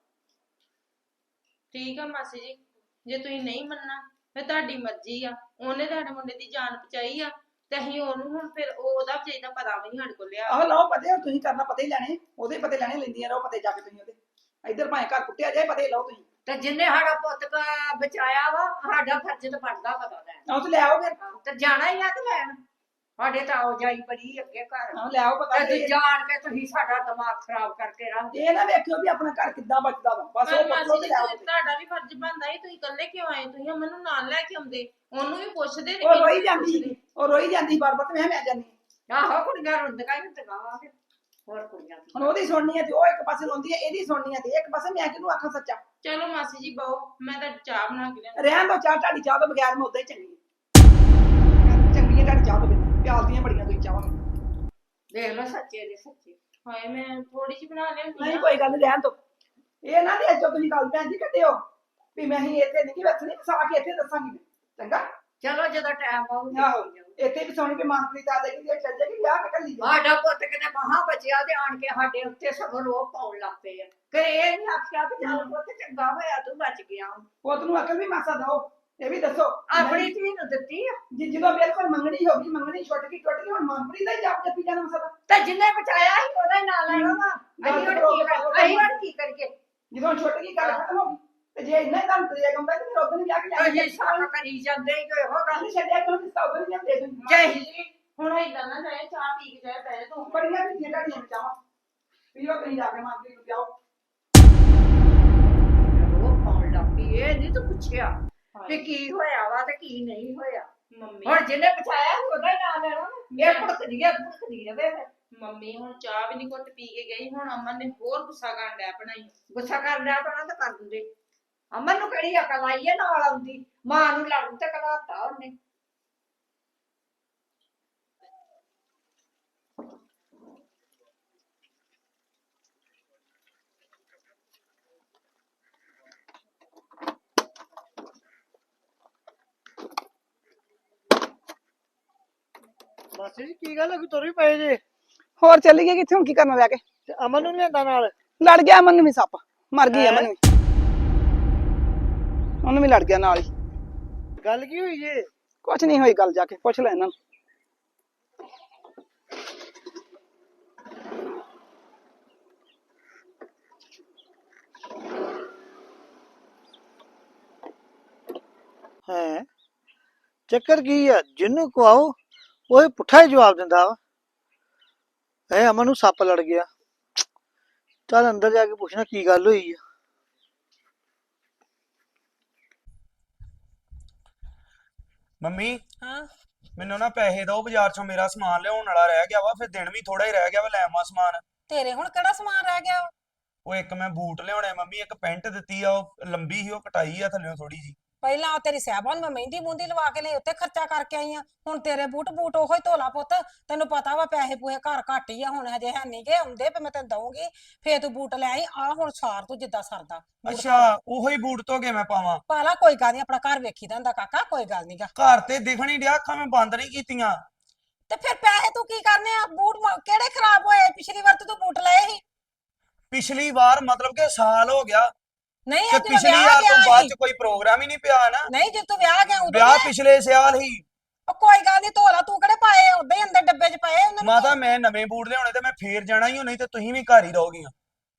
Speaker 3: ਠੀਕ ਆ ਮਾਸੀ ਜੀ, ਜੇ ਤੁਸੀਂ ਨਹੀਂ ਮੰਨਣਾ ਫਿਰ ਤੁਹਾਡੀ ਮਰਜ਼ੀ ਆ, ਉਹਨੇ ਤੁਹਾਡੇ ਮੁੰਡੇ ਦੀ ਜਾਨ ਬਚਾਈ ਆ ਤੇ ਅਸੀਂ ਉਹਨੂੰ ਹੁਣ ਫਿਰ ਉਹਦਾ ਵਿਚਾਰੀ ਦਾ ਪਤਾ ਵੀ ਨਹੀਂ ਸਾਡੇ ਕੋਲ ਲਿਆ।
Speaker 2: ਆਹ ਲਓ ਪਤੇ, ਤੁਸੀਂ ਕਰਨਾ ਪਤੇ ਹੀ ਲੈਣੇ, ਉਹਦੇ ਪਤੇ ਲੈਣੇ, ਲੈਂਦੀਆਂ ਰਹੋ ਪਤੇ ਜਾ ਕੇ ਤੁਸੀਂ ਉਹਦੇ। ਇੱਧਰ ਭਾਵੇਂ ਘਰ ਕੁੱਟਿਆ ਜਾਏ, ਪਤੇ ਲਓ ਤੁਸੀਂ।
Speaker 4: ਤੇ ਜਿੰਨੇ ਸਾਡਾ ਪੁੱਤ ਬਚਾਇਆ ਵਾ ਸਾਡਾ ਫਰਜ਼ ਤਾਂ ਬਣਦਾ ਪਤਾ ਲੈਣ।
Speaker 2: ਆਹ ਤੇ ਲੈ ਆਓ ਫਿਰ।
Speaker 4: ਤੇ ਜਾਣਾ ਹੀ ਆ ਕਿ ਲੈਣ, ਸਾਡੇ ਤਾਂ ਆਓ ਜਾਈ ਬੜੀ ਅੱਗੇ ਘਰ।
Speaker 2: ਆਹ ਲੈ ਆਓ ਪਤਾ।
Speaker 4: ਤੇ ਜਾਣ ਕੇ ਤੁਸੀਂ ਸਾਡਾ ਦਿਮਾਗ ਖਰਾਬ ਕਰਕੇ ਰੱਖ
Speaker 2: ਇਹ ਨਾ ਵੇਖਿਓ ਵੀ ਆਪਣਾ ਘਰ ਕਿੱਦਾਂ ਬਚਦਾ ਵਾ, ਬਸ
Speaker 3: ਪਰ
Speaker 2: ਉਹ
Speaker 3: ਮਾਸੀ
Speaker 2: ਪੁੱਛੋ
Speaker 3: ਜੀ
Speaker 2: ਤੇ ਲੈ ਆਓ।
Speaker 3: ਤੁਹਾਡਾ ਵੀ ਫਰਜ਼ ਬਣਦਾ ਸੀ, ਤੁਸੀਂ ਇਕੱਲੇ ਕਿਉਂ ਆਏ, ਤੁਸੀਂ ਅਮਨ ਨੂੰ ਨਾਲ ਲੈ ਕੇ ਆਉਂਦੇ, ਉਹਨੂੰ ਵੀ ਪੁੱਛਦੇ ਤੇ
Speaker 2: ਉਹ
Speaker 3: ਇਹਨੂੰ
Speaker 2: ਰੋਈ
Speaker 3: ਵੀ
Speaker 2: ਜਾਂਦੀ
Speaker 3: ਪੁੱਛਦੇ।
Speaker 2: ਸੀ, ਉਹ ਰੋਈ ਜਾਂਦੀ ਬਾਰ-ਬਾਰ ਤੇ ਮੈਂ ਜਾਂਦੀ।
Speaker 4: ਆਹੋ ਕੁੜੀਆਂ ਰੁੰਦਕਾਂ ਹੀ ਹੁੰਦੀਆਂ ਵਾ ਫਿਰ, ਹੋਰ ਕੁੜੀਆਂ ਦੀ।
Speaker 2: ਹੁਣ ਉਹਦੀ ਸੁਣਨੀ ਹੈ ਤੇ ਉਹ ਇੱਕ ਪਾਸੇ ਰੋਂਦੀ ਹੈ, ਇਹਦੀ ਸੁਣਨੀ ਹੈ ਤੇ ਇੱਕ ਪਾਸੇ ਮੈਂ ਕਿਹਨੂੰ ਆਖਾਂ ਸੱਚਾ।
Speaker 3: ਚਲੋ ਮਾਸੀ ਜੀ ਬਹੁ, ਮੈਂ ਤਾਂ ਚਾਹ ਬਣਾ ਕੇ ਲਿਆਉਂਦੀ।
Speaker 2: ਰਹਿਣ ਦੋ ਚਾਹ, ਤੁਹਾਡੀ ਚਾਹ ਤੋਂ ਬਗੈਰ ਮੈਂ ਉਦਾਂ ਹੀ ਚੰਗੀ ਹਾਂ। ਚੰਗੀ ਹੈ ਤੁਹਾਡੀ ਚਾਹ ਤੋਂ ਬਿਨਾਂ, ਪਿਆਲਦੀਆਂ ਬੜੀਆਂ ਤੁਸੀਂ ਚਾਹਾਂ।
Speaker 4: ਦੇਖ ਲਓ ਸੱਚੇ ਦੇ ਸੱਚੇ।
Speaker 3: ਹਾਏ ਮੈਂ ਥੋੜੀ ਜਿਹੀ ਬਣਾ ਲਿਆਉਂਦੀ
Speaker 2: ਨਹੀਂ
Speaker 3: ਆ।
Speaker 2: ਕੋਈ ਗੱਲ ਨੀ, ਰਹਿਣ ਦੋ। ਇਹ ਨਾ ਦੇ ਜੋ ਤੁਸੀਂ ਗੱਲ ਭੈਣ ਜੀ ਕੱਢਿਓ ਵੀ ਮੈਂ ਹੀ ਇੱਥੇ ਨਹੀਂ ਵਸਣੀ, ਵਸਾ ਕੇ ਇੱਥੇ ਦੱਸਾਂਗੀ ਮੈਂ, ਚੰਗਾ।
Speaker 4: ਚਲੋ ਜਦੋਂ ਟਾਈਮ ਆਊਗਾ
Speaker 2: ਆਹੋ ਇੱਥੇ ਵੀ ਸੋਣੀ ਵੀ ਮਨਪ੍ਰੀਤ ਆ ਜਾਏਗੀ ਤੇ ਚੱਲ ਜਾਏਗੀ, ਵਿਆਹ ਕੱਢ ਲਈ
Speaker 4: ਸਾਡਾ ਪੁੱਤ ਕਿਤੇ ਮਹਾ ਬਚਿਆ ਤੇ ਆਣ ਕੇ ਸਾਡੇ ਉੱਤੇ ਸਗੋਂ ਰੋਹ ਪਾਉਣ ਲੱਗ ਪਏ ਆ। ਕਿ ਇਹ ਨਹੀਂ ਆਖਿਆ ਵੀ ਚੱਲ ਪੁੱਤ ਚੰਗਾ ਹੋਇਆ ਤੂੰ ਬਚ ਗਿਆ।
Speaker 2: ਪੁੱਤ ਨੂੰ ਅਕਲ ਵੀ ਮਾਸਾ ਦਿਓ, ਇਹ ਵੀ ਦੱਸੋ।
Speaker 4: ਆਪਣੀ ਧੀ ਨੂੰ ਦਿੱਤੀ ਆ
Speaker 2: ਜਦੋਂ ਬਿਲਕੁਲ ਮੰਗਣੀ ਹੋ ਗਈ, ਮੰਗਣੀ ਛੁੱਟ ਗਈ, ਹੁਣ ਮਨਪ੍ਰੀਤ ਦਾ ਹੀ ਜਾਪ ਜੱਪੀ ਜਾਣਾ ਮਸਾ।
Speaker 4: ਤੇ ਜਿੰਨੇ ਬਚਾਇਆ ਸੀ ਉਹਦਾ ਹੀ ਨਾਂ ਲੈਣਾ ਵਾ। ਅਸੀਂ ਹੁਣ ਕੀ ਕਰੀਏ?
Speaker 2: ਜਦੋਂ ਛੁੱਟ ਗਈ ਗੱਲ ਖਤਮ ਹੋ ਗਈ ਤੇ ਜੇ ਇੰਨਾ ਕੰਮ ਕਰਿਆ ਕੰਦਾ ਤੇ ਫਿਰ ਉਦੋਂ ਨਹੀਂ ਜਾ ਕੇ ਲੈ
Speaker 4: ਅਸੀਂ ਸਾਰਾ ਕਰੀ ਜਾਂਦੇ ਹੀ ਇਹੋ ਗੱਲ
Speaker 2: ਗੱਲ ਛੱਡਿਆ ਕਿਉਂ ਨਹੀਂ ਸੌਦਾ ਨਹੀਂ ਦੇ ਦੂੰ
Speaker 4: ਜੈ
Speaker 3: ਹੁਣ ਏਦਾਂ ਨਾ ਜਾਏ ਚਾਹ ਪੀ ਕੇ ਜਾਏ ਬਹਿ ਤੂੰ
Speaker 2: ਬੜੀਆਂ ਵੀ ਦੀਆਂ ਢਾਡੀਆਂ ਚਾਹਾਂ ਪੀਓ ਕਹੀਂ ਜਾ ਕੇ ਮਾਂ ਨੂੰ ਪਿਆਓ
Speaker 4: ਉਹ ਪਾਉਣ ਲੱਗ ਪਈ ਇਹ ਨਹੀਂ ਤੂੰ ਪੁੱਛਿਆ ਕਿ ਕੀ ਹੋਇਆ ਵਾ ਤੇ ਕੀ ਨਹੀਂ ਹੋਇਆ
Speaker 3: ਮੰਮੀ
Speaker 4: ਹੁਣ ਜਿਹਨੇ ਪਛਾਇਆ ਉਹਦਾ ਹੀ ਨਾਂ ਲੈਣਾ ਨਾ। ਇਹ ਭੁੜਕਦੀ ਰਵੇ ਫਿਰ
Speaker 3: ਮੰਮੀ ਹੁਣ ਚਾਹ ਵੀ ਨਹੀਂ ਘੁੱਟ ਪੀ ਕੇ ਗਈ ਹੁਣ ਅਮਨ ਨੇ ਹੋਰ ਗੁੱਸਾ ਕਰਨ ਡਿਆ ਬਣਾਈ
Speaker 4: ਗੁੱਸਾ ਕਰ ਲਿਆ ਤਾਂ ਤਾਂ ਕਰ ਦਿੰਦੇ ਅਮਨ ਨੂੰ ਕਿਹੜੀ ਅਕਲ ਆਈ ਹੈ ਨਾਲ ਆਉਂਦੀ ਮਾਂ ਨੂੰ ਲੜਨ ਤੇ ਕਲਾਤਾ ਉਹਨੇ
Speaker 1: ਮਾਸੀ ਜੀ ਕੀ ਗੱਲ ਹੈ, ਕੋਈ ਤੁਰ ਵੀ ਪਏ ਜੇ?
Speaker 2: ਹੋਰ ਚੱਲੀ ਗਈ ਕਿੱਥੇ ਹੁਣ ਕੀ ਕਰਨਾ ਲੈ ਕੇ
Speaker 1: ਤੇ ਅਮਨ ਨੂੰ ਨੀ ਲਿਆਂਦਾ ਨਾਲ?
Speaker 2: ਲੜ ਗਿਆ ਅਮਨ ਨੂੰ ਵੀ ਸੱਪ ਮਰ ਗਈ
Speaker 1: ਹੈਂ?
Speaker 2: ਅਮਨ ਵੀ ਉਹਨੂੰ ਵੀ ਲੜ ਗਿਆ ਨਾਲ ਹੀ
Speaker 1: ਗੱਲ ਕੀ ਹੋਈ ਜੇ?
Speaker 2: ਕੁਛ ਨਹੀਂ ਹੋਈ ਗੱਲ ਜਾ ਕੇ ਪੁੱਛ ਲੈ ਇਹਨਾਂ ਨੂੰ
Speaker 1: ਹੈ ਚੱਕਰ ਕੀ ਆ? ਜਿਹਨੂੰ ਕਵਾਓ ਉਹ ਹੀ ਪੁੱਠਾ ਹੀ ਜਵਾਬ ਦਿੰਦਾ ਵਾ। ਐ ਅਮਨ ਨੂੰ ਸੱਪ ਲੜ ਗਿਆ। ਚੱਲ ਅੰਦਰ ਜਾ ਕੇ ਪੁੱਛਣਾ ਕੀ ਗੱਲ ਹੋਈ ਆ।
Speaker 6: ਮੰਮੀ
Speaker 7: ਹਾਂ
Speaker 6: ਮੈਨੂੰ ਨਾ ਪੈਸੇ ਦਿਓ ਬਾਜ਼ਾਰ ਚੋਂ ਮੇਰਾ ਸਮਾਨ ਲਿਆਉਣ ਵਾਲਾ ਰਹਿ ਗਿਆ ਵਾ ਫਿਰ ਦਿਨ ਵੀ ਥੋੜਾ ਹੀ ਰਹਿ ਗਿਆ ਵਾ ਲੈ ਆਵਾਂ ਸਮਾਨ
Speaker 7: ਤੇਰੇ ਹੁਣ ਕਿਹੜਾ ਸਮਾਨ ਰਹਿ ਗਿਆ ਵਾ?
Speaker 6: ਉਹ ਇੱਕ ਮੈਂ ਬੂਟ ਲਿਆਉਣੇ ਮੰਮੀ ਇੱਕ ਪੈਂਟ ਦਿੱਤੀ ਆ ਉਹ ਲੰਬੀ ਸੀ ਉਹ ਕਟਾਈ ਆ ਥੱਲੇੋਂ ਥੋੜੀ ਜੀ
Speaker 7: ਪਹਿਲਾਂ ਉਹ ਤੇਰੀ ਸਾਹਿਬਾਂ ਨੂੰ ਮੈਂ ਮਹਿੰਦੀ ਮੂੰਦੀ ਲਵਾ ਕੇ ਲਈ ਉੱਤੇ ਖਰਚਾ ਕਰਕੇ ਆਈ ਆ ਹੁਣ ਤੇਰੇ ਬੂਟ ਉਹੋ ਹੀ ਧੋਲਾ ਪੁੱਤ ਤੈਨੂੰ ਪਤਾ ਵਾ ਪੈਸੇ ਪੂਹੇ ਘਰ ਘੱਟ ਹੀ ਆ ਹੁਣ ਹਜੇ ਹੈ ਨੀ ਗੇ ਆਉਂਦੇ ਫੇ ਮੈਂ ਤੈਨੂੰ ਦਊਂਗੀ ਫੇਰ ਤੂੰ ਬੂਟ ਲੈ ਆਈ ਆ ਹੁਣ ਸਾਰ ਤੂੰ ਜਿੱਦਾਂ ਸਰਦਾ ਬੂਟ
Speaker 6: ਅੱਛਾ ਉਹੀ ਬੂਟ ਧੋ ਕੇ ਮੈਂ ਪਾਵਾਂ
Speaker 7: ਪਾ ਲਾ ਕੋਈ ਗੱਲ ਨੀ ਆਪਣਾ ਘਰ ਵੇਖੀਦਾ ਹੁੰਦਾ ਕਾਕਾ ਕੋਈ ਗੱਲ ਨੀਗਾ
Speaker 6: ਘਰ ਤੇ ਦਿਖਣ ਹੀ ਡਿਆ ਅੱਖਾਂ ਮੈਂ ਬੰਦ ਨਹੀਂ ਕੀਤੀਆਂ
Speaker 7: ਤੇ ਫਿਰ ਪੈਸੇ ਤੂੰ ਕੀ ਕਰਨੇ ਆ ਬੂਟ ਕਿਹੜੇ ਖਰਾਬ ਹੋਏ ਪਿਛਲੀ ਵਾਰ ਤੂੰ ਬੂਟ ਲਏ ਸੀ
Speaker 6: ਪਿਛਲੀ ਵਾਰ ਮਤਲਬ ਕਿ ਸਾਲ ਹੋ ਗਿਆ
Speaker 7: ਨਹੀਂ
Speaker 6: ਤੇ
Speaker 7: ਅੱਜ
Speaker 6: ਪਿਛਲੀ
Speaker 7: ਵਿਆਹ
Speaker 6: ਵਾਰ ਤੋਂ
Speaker 7: ਗਿਆ
Speaker 6: ਬਾਅਦ
Speaker 7: ਸੀ
Speaker 6: ਚ ਕੋਈ ਪ੍ਰੋਗਰਾਮ ਹੀ ਨਹੀਂ ਪਿਆ ਨਾ
Speaker 7: ਨਹੀਂ ਜੇ ਤੂੰ ਵਿਆਹ ਗਿਆ ਉਦੋਂ
Speaker 6: ਵਿਆਹ
Speaker 7: ਨੀ-
Speaker 6: ਪਿਛਲੇ ਸਾਲ ਹੀ
Speaker 7: ਉਹ ਕੋਈ ਗੱਲ ਨੀ ਧੋਲਾ ਤੂੰ ਕਿਹੜੇ ਪਾਏ ਉਦਾਂ ਹੀ ਅੰਦਰ ਡੱਬੇ 'ਚ ਪਏ ਉਹਨਾਂ ਨੂੰ
Speaker 6: ਮਾਤਾ ਮੈਂ ਨਵੇਂ ਬੂਟ ਲਿਆਉਣੇ ਤੇ ਮੈਂ ਫੇਰ ਜਾਣਾ ਹੀ ਹੋ ਨਹੀਂ ਤੇ ਤੁਸੀਂ ਵੀ ਘਰ ਹੀ ਰਹੋਗੀਆਂ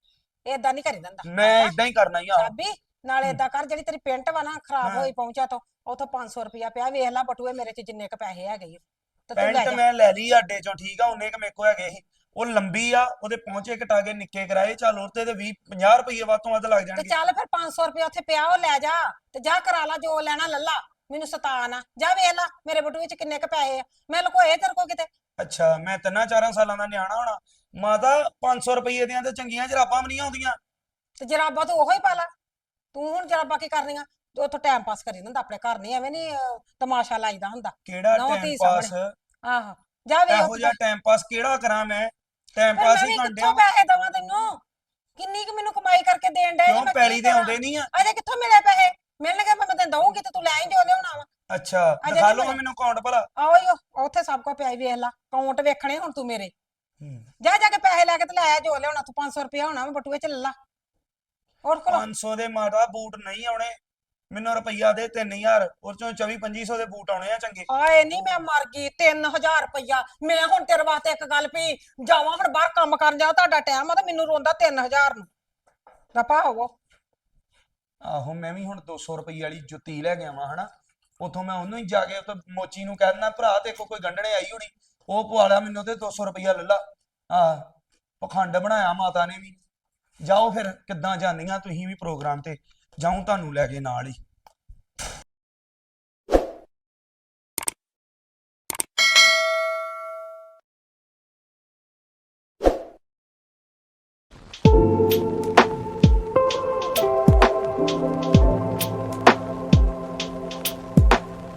Speaker 7: ਏਦਾਂ ਨਹੀਂ ਕਰੀ ਦਿੰਦਾ
Speaker 6: ਮੈਂ ਇਦਾਂ ਹੀ ਕਰਨਾ ਹੀ ਆ
Speaker 7: ਸਾਬੀ ਨਾਲੇ ਏਦਾਂ ਕਰ ਜਿਹੜੀ ਤੇਰੀ ਪੈਂਟ ਵਾ ਨਾ ਖਰਾਬ
Speaker 6: ਹਾਂ।
Speaker 7: ਹੋਈ ਪਹੁੰਚਾ ਤੋਂ ਉਥੋਂ 500 ਰੁਪਇਆ ਪਿਆ ਵੇਖ ਲੈ ਬਟੂਏ ਮੇਰੇ 'ਚ ਜਿੰਨੇ ਕ ਪੈਸੇ ਹੈਗੇ ਈ ਓ। ਤੇ ਤੂੰ ਲੈ
Speaker 6: ਪੈਂਟ
Speaker 7: ਜਾ
Speaker 6: ਮੈਂ ਲੈ ਲਈ ਅੱਡੇ ਚੋਂ ਠੀਕ ਆ ਉਹਨੇ ਕ ਮੇਰੇ ਕੋ ਹੈਗੇ ਸੀ ਉਹ ਲੰਬੀ ਆ ਉਹਦੇ ਪਹੁੰਚੇ ਕਟਾ ਕੇ ਨਿੱਕੇ ਕਰਾਏ ਚੱਲ ਉਹਤੇ ਤੇ 20 50 ਰੁਪਏ ਵੱਧ ਤੋਂ ਵੱਧ ਲੱਗ
Speaker 7: ਤੇ
Speaker 6: ਜਾਣਗੇ
Speaker 7: ਚੱਲ ਫਿਰ 500 ਰੁਪਇਆ ਉੱਥੇ ਪਿਆ ਉਹ ਲੈ ਜਾ ਤੇ ਜਾ ਕਰਾ ਲਾ ਜੋ ਲੈਣਾ ਲੱਲਾ ਮੈਨੂੰ ਸਤਾ ਨਾ ਜਾ ਵੇਖ ਲੈ ਮੇਰੇ ਬਟੂਏ 'ਚ ਕਿੰਨੇ ਕ ਪੈਸੇ ਆ ਮੈਂ ਲੁਕੋਏ ਤੇਰੇ ਕੋ ਕਿਤੇ
Speaker 6: ਅੱਛਾ ਮੈਂ 3-4 ਸਾਲਾਂ ਦਾ ਨਿਆਣਾ ਹੋਣਾ ਮਾਤਾ 500 ਰੁਪਏ ਦੀਆਂ ਤੇ ਚੰਗੀਆਂ ਜਰਾਬਾਂ ਵੀ ਨਹੀਂ ਆਉਂਦੀਆਂ
Speaker 7: ਤੇ ਜਰਾਬਾਂ ਤੂੰ ਉਹੋ ਹੀ ਪਾ ਲਾ ਤੂੰ ਹੁਣ ਜਰਾਬਾਂ ਕੀ ਕਰਨੀਆਂ ਤੂੰ ਉੱਥੋਂ ਟਾਈਮ ਪਾਸ ਕਰੀ ਹੁੰਦਾ ਆਪਣੇ ਘਰ ਨਹੀਂ ਐਵੇਂ ਨਹੀਂ ਤਮਾਸ਼ਾ ਲਾਈਦਾ ਹੁੰਦਾ
Speaker 6: ਕਿਹੜਾ
Speaker 7: ਨਹੁੰ
Speaker 6: ਟਾਈਮ
Speaker 7: ਧੀ
Speaker 6: ਪਾਸ
Speaker 7: ਸਾਹਮਣੇ। ਆਹੋ ਜਾ ਵੇਖ
Speaker 6: ਇਹੋ ਜਿਹਾ ਟਾਈਮ ਪਾਸ ਕਿਹੜਾ ਕਰਾਂ ਮੈਂ ਟਾਈਮ
Speaker 7: ਫਿਰ
Speaker 6: ਪਾਸ
Speaker 7: ਮੈਂ
Speaker 6: ਹੀ
Speaker 7: ਵੀ
Speaker 6: ਕਰਨ
Speaker 7: ਕਿੱਥੋਂ
Speaker 6: ਡਿਆ
Speaker 7: ਪੈਸੇ ਦਵਾਂ ਤੈਨੂੰ ਕਿੰਨੀ ਕੁ ਮੈਨੂੰ ਕਮਾਈ ਕਰਕੇ ਦੇਣ ਡਿਆ
Speaker 6: ਕਿਉਂ ਪੈਲੀ ਦੇ ਆਉਂਦੇ ਨਹੀਂ ਆ
Speaker 7: ਅਜੇ ਕਿੱਥੋਂ ਮਿਲੇ ਪੈਸੇ ਮਿਲਣਗੇ ਮੈਂ ਤੈਨੂੰ ਦਊਂਗੀ ਤੇ ਤੂੰ ਲੈ ਆਈ ਜੋ ਲਿਆਉਣਾ ਵਾ
Speaker 6: ਅੱਛਾ
Speaker 7: ਅਜੇ
Speaker 6: ਦਿਖਾ
Speaker 7: ਨੀ
Speaker 6: ਲਓ
Speaker 7: ਮਿਲੇ।
Speaker 6: ਮੈਨੂੰ ਅਕਾਊਂਟ ਭਲਾ
Speaker 7: ਆਓ ਈ ਓ, ਉੱਥੇ ਸਭ ਕੋ ਪਿਆ ਈ ਵੇਖ ਲਾ ਅਕਾਊਂਟ ਵੇਖਣੇ ਹੁਣ ਤੂੰ ਮੇਰੇ
Speaker 6: ਹੂੰ।
Speaker 7: ਜਾ ਜਾ ਕੇ ਪੈਸੇ ਲੈ ਕੇ ਤੇ ਲੈ ਆ ਜੋ ਲਿਆਉਣਾ ਤੂੰ 500 ਰੁਪਇਆ ਹੋਣਾ ਵਾ ਬਟੂਏ ਚ ਲੈ ਲਾ ਹੋਰ ਕੋਲ
Speaker 6: 500 ਦੇ ਮਾਤਾ ਬੂਟ ਨਹੀਂ ਆਉਣੇ ਮੈਨੂੰ ਰੁਪਈਆ ਦੇ 3000 ਉਹ ਚੋਂ 24-2500 ਦੇ ਬੂਟ ਆਉਣੇ ਆ ਚੰਗੇ
Speaker 7: ਆਏ ਨਹੀਂ ਮੈਂ ਮਰ ਗਈ 3000 ਰੁਪਇਆ ਮੈਂ ਹੁਣ ਤੇਰੇ ਵਾਸਤੇ ਇੱਕ ਗੱਲ ਵੀ ਜਾਵਾਂ ਹੁਣ ਬਾਹਰ ਕੰਮ ਕਰਨ ਜਾ ਤੁਹਾਡਾ ਟਾਈਮ ਆ ਤੇ ਮੈਨੂੰ ਰੋਂਦਾ 3000 ਨੂੰ ਰਪਾ ਹੋਵੋ
Speaker 6: ਆਹੋ ਮੈਂ ਵੀ ਹੁਣ 200 ਰੁਪਏ ਵਾਲੀ ਜੁੱਤੀ ਲੈ ਕੇ ਆਵਾਂ ਹਨਾ ਉਥੋਂ ਮੈਂ ਉਹਨੂੰ ਹੀ ਜਾ ਕੇ ਉੱਥੇ ਮੋਚੀ ਨੂੰ ਕਹਿ ਦਿੰਦਾ ਭਰਾ ਤੇ ਕੋਈ ਗੰਢਣੇ ਆਈ ਹੋਣੀ ਉਹ ਪਵਾ ਲਿਆ ਮੈਨੂੰ ਤੇ 200 ਰੁਪਇਆ ਲੈ ਲਾ ਆ ਪਖੰਡ ਬਣਾਇਆ ਮਾਤਾ ਨੇ ਵੀ ਜਾਓ ਫਿਰ ਕਿੱਦਾਂ ਜਾਂਦੀਆਂ ਤੁਸੀਂ ਵੀ ਪ੍ਰੋਗਰਾਮ ਤੇ ਜਾਉਂ ਤੁਹਾਨੂੰ ਲੈ ਕੇ ਨਾਲ ਹੀ